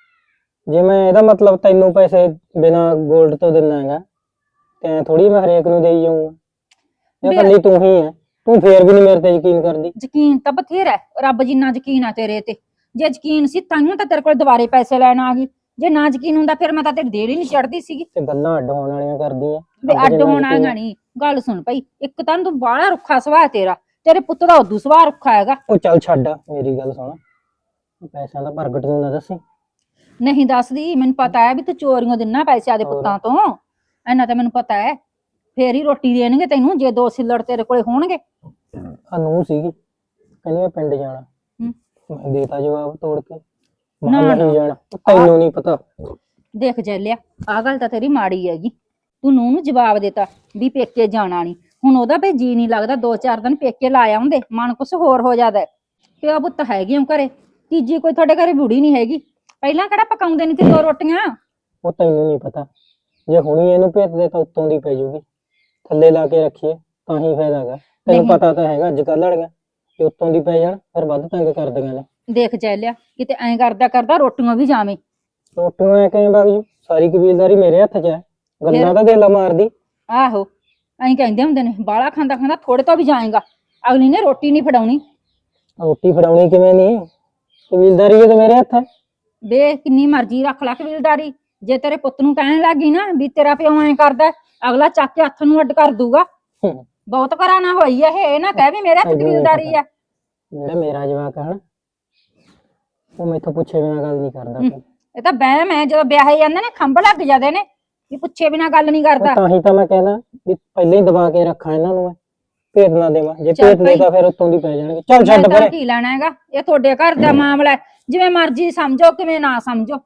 H: ਜੇ ਮੈਂ ਇਹਦਾ ਮਤਲਬ ਤੈਨੂੰ ਪੈਸੇ ਬਿਨਾ ਗੋਲਡ ਤੋਂ ਦਿੰਦਾ ਹੈਗਾ ਤੇ ਥੋੜੀ ਮੈਂ ਹਰੇਕ ਨੂੰ ਦੇਈ ਜਾਊਂਗਾ। ਇਹ
G: ਵੀ-
H: ਇਕੱਲੀ ਤੂੰ ਹੀ ਹੈ, ਤੂੰ ਫੇਰ ਵੀ ਨਹੀਂ ਮੇਰੇ ਤੇ ਯਕੀਨ ਕਰਦੀ।
G: ਯਕੀਨ ਤਾਂ ਬਥੇਰਾ ਹੈ, ਰੱਬ ਜਿੰਨਾ ਯਕੀਨ ਆ ਤੇਰੇ ਤੇ। ਜੇ ਯਕੀਨ ਸੀ ਤਾਂਹੀਓ ਤਾਂ ਤੇਰੇ ਕੋਲ ਦੁਬਾਰੇ ਪੈਸੇ ਲੈਣ ਆ ਗਈ, ਜੇ ਨਾ ਯਕੀਨ ਹੁੰਦਾ ਫਿਰ ਮੈਂ ਤਾਂ ਤੇਰੀ ਦੇਰ ਹੀ ਨਹੀਂ ਚੜਦੀ ਸੀਗੀ।
H: ਤੇ ਗੱਲਾਂ ਅੱਡ ਹੋਣ ਵਾਲੀਆਂ ਕਰਦੀ ਆ।
G: ਵੀ ਅੱਡ ਹੋਣਾ ਹੈਗਾ ਨਹੀਂ, ਗੱਲ ਸੁਣ ਭਾਈ, ਇੱਕ ਤਾਂ ਤੂੰ ਬਾਹਲਾ ਰੁੱਖਾ ਸੁਭਾਅ ਤੇਰਾ, ਤੇਰੇ ਪੁੱਤ ਦਾ ਉਦੋਂ ਸੁਭਾਅ ਰੁੱਖਾ ਹੈਗਾ।
H: ਉਹ ਚੱਲ ਛੱਡ, ਮੇਰੀ ਗੱਲ ਸੁਣ, ਪੈਸਿਆਂ ਦਾ ਪ੍ਰਗਟ ਨੂੰ ਨਾ ਦੱਸੀ।
G: ਨਹੀਂ ਦੱਸਦੀ, ਮੈਨੂੰ ਪਤਾ ਹੈ ਵੀ ਤੂੰ ਚੋਰੀਆਂ ਦਿੰਨਾ ਪੈਸੇ ਆਦੇ ਪੁੱਤਾਂ ਤੋਂ, ਇੰਨਾ ਤਾਂ ਮੈਨੂੰ ਪਤਾ ਹੈ। ਫੇਰ ਹੀ ਰੋਟੀ ਦੇਣਗੇ ਤੈਨੂੰ ਜੇ ਦੋ ਸਿੱਲੜ ਤੇਰੇ ਕੋਲੇ ਹੋਣਗੇ।
H: ਅਨੂ ਸੀਗੀ ਕਹਿੰਦੀ ਮੈਂ ਪਿੰਡ ਜਾਣਾ,
G: ਹੂੰ।
H: ਮੈਂ ਦੇਤਾ ਜਵਾਬ ਤੋੜ ਕੇ,
G: ਨਾ,
H: ਮੈਂ
G: ਨਾ।
H: ਨਹੀਂ ਜਾਣਾ। ਤੈਨੂੰ ਨਹੀਂ ਪਤਾ।
G: ਦੇਖ ਜੈਲਿਆ, ਆਹ ਗੱਲ ਤਾਂ ਤੇਰੀ ਮਾੜੀ ਹੈਗੀ, ਤੂੰ ਨੂੰਹ ਨੂੰ ਜਵਾਬ ਦੇਤਾ ਵੀ ਪੇਕੇ ਜਾਣਾ ਨਹੀਂ। ਹੁਣ ਉਹਦਾ ਭਈ ਜੀ ਨਹੀਂ ਲੱਗਦਾ, ਦੋ ਚਾਰ ਦਿਨ ਪੇਕੇ ਲਾ ਆਉਂਦੇ, ਮਨ ਕੁਛ ਹੋਰ ਹੋ ਜਾਂਦਾ। ਪਿਓ ਪੁੱਤ ਹੈਗੇ ਹੋ ਘਰੇ, ਤੀਜੀ ਕੋਈ ਤੁਹਾਡੇ ਘਰੇ ਬੁੜੀ ਨਹੀਂ ਹੈਗੀ। ਪਹਿਲਾਂ ਕਿਹੜਾ ਪਕਾਉਂਦੇ ਨਹੀਂ ਤੇ ਦੋ ਰੋਟੀਆਂ।
H: ਉਹ ਤੈਨੂੰ ਨਹੀਂ ਪਤਾ, ਜੇ ਹੁਣੀ ਇਹਨੂੰ ਭੇਤ ਦੇ ਤਾਂ ਉੱਤੋਂ ਦੀ ਪੈ ਜੂਗੀ। ਥੱਲੇ ਲਾ ਕੇ ਰੱਖੀਏ ਤਾਂ ਹੀ ਫਾਇਦਾ ਹੈਗਾ। ਤੈਨੂੰ
G: ਨਹੀਂ।
H: ਪਤਾ ਤਾਂ ਹੈਗਾ ਅੱਜ ਕੱਲ੍ਹ ਵਾਲੀਆਂ, ਜੇ ਉੱਤੋਂ ਦੀ ਪੈ ਜਾਣ ਫਿਰ ਵੱਧ ਤੰਗ ਕਰਦੀਆਂ ਨੇ।
G: ਦੇਖ ਜੈਲਿਆ, ਕਿਤੇ ਐਂ ਕਰਦਾ ਕਰਦਾ ਰੋਟੀਆਂ ਵੀ ਜਾਵੇਂ।
H: ਰੋਟੀਆਂ ਐ ਕਿਵੇਂ ਵਗ ਜੂ? ਸਾਰੀ ਕਬੀਲਦਾਰੀ ਮੇਰੇ ਹੱਥ 'ਚ ਹੈ। ਗੱਲਾਂ ਤਾਂ ਦਿਲ ਮਾਰਦੀ।
G: ਆਹੋ, ਐਂ ਕਹਿੰਦੇ ਹੁੰਦੇ ਨੇ ਬਾਲਾ ਖਾਂਦਾ ਖਾਂਦਾ ਥੋੜੇ ਤੋਂ ਵੀ ਜਾਏਗਾ। ਅਗਲੀ ਨੇ ਰੋਟੀ ਨਹੀਂ ਫੜਾਉਣੀ।
H: ਰੋਟੀ ਫੜਾਉਣੀ ਕਿਵੇਂ ਨਹੀਂ, ਕਬੀਲਦਾਰੀ ਇਹ ਤਾਂ ਮੇਰੇ ਹੱਥ ਹੈ।
G: ਵੇ ਕਿੰਨੀ ਮਰਜ਼ੀ ਰੱਖ ਲੈ ਕਬੀਲਦਾਰੀ, ਜੇ ਤੇਰੇ ਪੁੱਤ ਨੂੰ ਕਹਿਣ ਲੱਗੀ ਨਾ ਵੀ ਤੇਰਾ ਪਿਓ ਐਂ ਕਰਦਾ, ਅਗਲਾ ਚੱਕ ਕੇ ਹੱਥ ਨੂੰ ਅੱਡ ਕਰ ਦੂਗਾ।
H: ਹੂੰ।
G: ਬਹੁਤ ਘਰਾਣਾ ਹੋਈ ਆ ਇਹ, ਨਾ ਕਹਿ ਵੀ ਮੇਰੇ ਹੱਥ ਕਬੀਲਦਾਰੀ ਆ।
H: ਜਿਹੜਾ ਮੇਰਾ ਜਵਾਕ ਹੈ ਨਾ, ਉਹ ਮੈਥੋਂ ਪੁੱਛੇ ਬਿਨਾਂ ਗੱਲ ਨਹੀਂ ਕਰਦਾ ਕੋਈ।
G: ਇਹ ਤਾਂ ਵਹਿਮ ਹੈ, ਜਦੋਂ ਵਿਆਹੇ ਜਾਂਦੇ ਨੇ ਖੰਭ ਲੱਗ ਜਾਂਦੇ ਨੇ ਵੀ ਪੁੱਛੇ ਬਿਨਾਂ ਗੱਲ ਨਹੀਂ ਕਰਦਾ।
H: ਉਹ ਤਾਂ ਹੀ ਤਾਂ ਮੈਂ ਕਹਿੰਦਾ ਵੀ ਪਹਿਲਾਂ ਹੀ ਦਬਾ ਕੇ ਰੱਖਾਂ ਇਹਨਾਂ ਨੂੰ, ਮੈਂ ਭੇਤ ਨਾ ਦੇਵਾਂ। ਜੇ
G: ਚੱਲ
H: ਭੇਤ
G: ਭਾਈ।
H: ਦੇਤਾ ਫਿਰ ਉੱਤੋਂ ਦੀ ਪੈ ਜਾਣਗੇ। ਚੱਲ
G: ਮੈਂ
H: ਛੱਡ
G: ਤਾਂ
H: ਪਰੇ।
G: ਕੀ ਲੈਣਾ ਹੈਗਾ, ਇਹ ਤੁਹਾਡੇ ਘਰ ਦਾ ਮਾਮਲਾ ਹੈ, ਜਿਵੇਂ ਮਰਜ਼ੀ ਸਮਝੋ ਕਿਵੇਂ ਨਾ ਸਮਝੋ।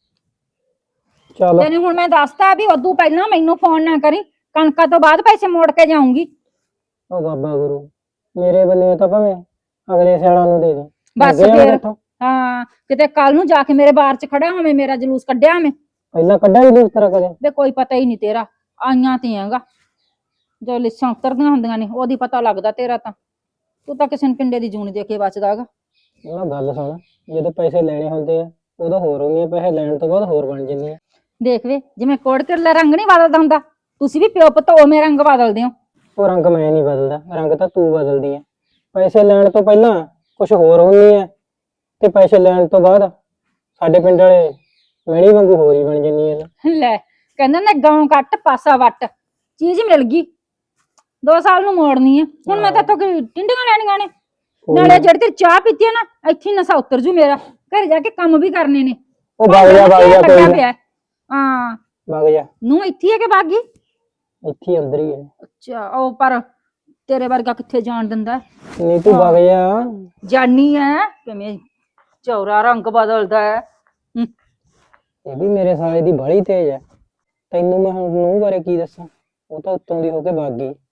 H: ਚਲੋ
G: ਤੈਨੂੰ ਹੁਣ ਮੈਂ ਦੱਸਤਾ ਵੀ ਉਦੋਂ ਪਹਿਲਾਂ ਮੈਨੂੰ ਫੋਨ ਨਾ ਕਰੀ, ਕਣਕਾਂ ਤੋਂ ਬਾਅਦ ਪੈਸੇ ਮੋੜ ਕੇ ਜਾਊਂਗੀ।
H: ਉਹ ਬਾਬਾ ਗੁਰੂ, ਮੇਰੇ ਬੰਨੇ ਤਾਂ ਭਾਵੇਂ ਅਗਲੇ ਸਿਆਲਾਂ ਨੂੰ ਦੇ ਦੇ।
G: ਬਸ
H: ਅੱਗੇ ਜਾਣਾ
G: ਫਿਰ।
H: ਇੱਥੋਂ।
G: ਹਾਂ, ਕਿਤੇ ਕੱਲ ਨੂੰ ਜਾ ਕੇ ਮੇਰੇ ਬਾਰ ਚ ਖੜਾ ਹੋਵੇਂ, ਮੇਰਾ ਜਲੂਸ ਕੱਢਿਆ ਮੈਂ।
H: ਪਹਿਲਾਂ ਕੱਢਾ ਹੀ ਨਹੀਂ ਉਸ ਤਰ੍ਹਾਂ ਕਦੇ।
G: ਵੇ ਕੋਈ ਪਤਾ ਹੀ ਨਹੀਂ ਤੇਰਾ, ਆਈਆਂ ਤੇ ਹੈਗਾ ਜੋ ਲਿਸਾਂ ਉਤਰਦੀਆਂ ਹੁੰਦੀਆਂ ਨੇ ਉਹਦੀ ਪਤਾ ਲੱਗਦਾ ਤੇਰਾ ਤਾਂ। ਤੂੰ ਤਾਂ ਕਿਸੇ ਨੂੰ ਪਿੰਡੇ ਦੀ ਜੂਨ ਦੇ ਕੇ ਬਚਦਾ ਹੈਗਾ।
H: ਨਾ ਗੱਲ ਸੁਣ, ਜਦੋਂ ਪੈਸੇ ਲੈਣੇ ਹੁੰਦੇ ਆ ਉਦੋਂ ਹੋਰ ਹੁੰਦੀਆਂ, ਪੈਸੇ ਲੈਣ ਤੋਂ ਬਾਅਦ ਹੋਰ ਬਣ ਜਾਂਦੀਆਂ।
G: ਦੇਖ ਵੇ, ਜਿਵੇਂ ਕੋੜ ਕਿਰਲਾ ਰੰਗ ਨਹੀਂ ਬਦਲਦਾ ਹੁੰਦਾ, ਤੁਸੀਂ ਵੀ ਪਿਓ ਪੁੱਤ ਉਵੇਂ ਰੰਗ ਬਦਲਦੇ ਹੋ।
H: ਉਹ ਰੰਗ ਮੈਂ ਨਹੀਂ ਬਦਲਦਾ, ਰੰਗ ਤਾਂ ਤੂੰ ਬਦਲਦੀ ਹੈ। ਪੈਸੇ ਲੈਣ ਤੋਂ ਪਹਿਲਾਂ ਕੁਝ ਹੋਰ ਹੁੰਦੀ ਹੈ ਤੇ ਪੈਸੇ ਲੈਣ ਤੋਂ ਬਾਅਦ ਸਾਡੇ ਪਿੰਡ ਵਾਲੇ ਮੈਣੀ ਵਾਂਗੂ ਹੋਰ ਹੀ ਬਣ ਜਾਂਦੀਆਂ ਨੇ।
G: ਲੈ, ਕਹਿੰਦਾ ਨਾ ਗਾਉਂ ਕੱਟ ਪਾਸਾ ਵੱਟ, ਚੀਜ਼ ਮਿਲ ਗਈ ਦੋ ਸਾਲ ਨੂੰ ਮੋੜਨੀ ਹੈ। ਹੁਣ ਮੈਂ ਤਾਂ ਇੱਥੋਂ ਕੀ ਟਿੰਡੀਆਂ ਲੈਣੀਆਂ ਨੇ? ਨਾਲੇ ਜਿਹੜੀ ਤੇਰੀ ਚਾਹ ਪੀਤੀ ਹੈ ਨਾ, ਇੱਥੇ ਹੀ ਨਸ਼ਾ ਉਤਰ ਜੂ ਮੇਰਾ। ਘਰੇ ਜਾ ਕੇ ਕੰਮ ਵੀ ਕਰਨੇ ਨੇ।
H: ਉਹ ਵਗ ਜਾ ਵਗ ਜਾ, ਕੋਈ ਨਾ
G: ਹਾਂ,
H: ਵਗ ਜਾ।
G: ਨੂੰ ਇੱਥੇ ਹੈ ਕਿ ਬਾਗੀ?
H: ਇੱਥੇ ਹੀ ਅੰਦਰ ਹੀ ਹੈ।
G: ਅੱਛਾ, ਉਹ ਪਰ ਤੇਰੇ ਵਰਗਾ ਕਿੱਥੇ ਜਾਣ ਦਿੰਦਾ?
H: ਨਹੀਂ ਤੂੰ ਵਗ ਜਾ।
G: ਜਾਨੀ ਹੈ ਕਿਵੇਂ ਚੌਰਾ ਰੰਗ ਬਦਲਦਾ ਹੈ। ਹੂੰ।
H: ਇਹ ਵੀ ਮੇਰੇ ਸਾਲੇ ਦੀ ਬਾਹਲੀ ਤੇਜ਼ ਹੈ। ਤੈਨੂੰ ਮੈਂ ਹੁਣ ਨੂੰਹ ਬਾਰੇ ਕੀ ਦੱਸਾਂ, ਉਹ ਤਾਂ ਉੱਤੋਂ ਦੀ ਹੋ ਕੇ ਵਗ ਗਈ।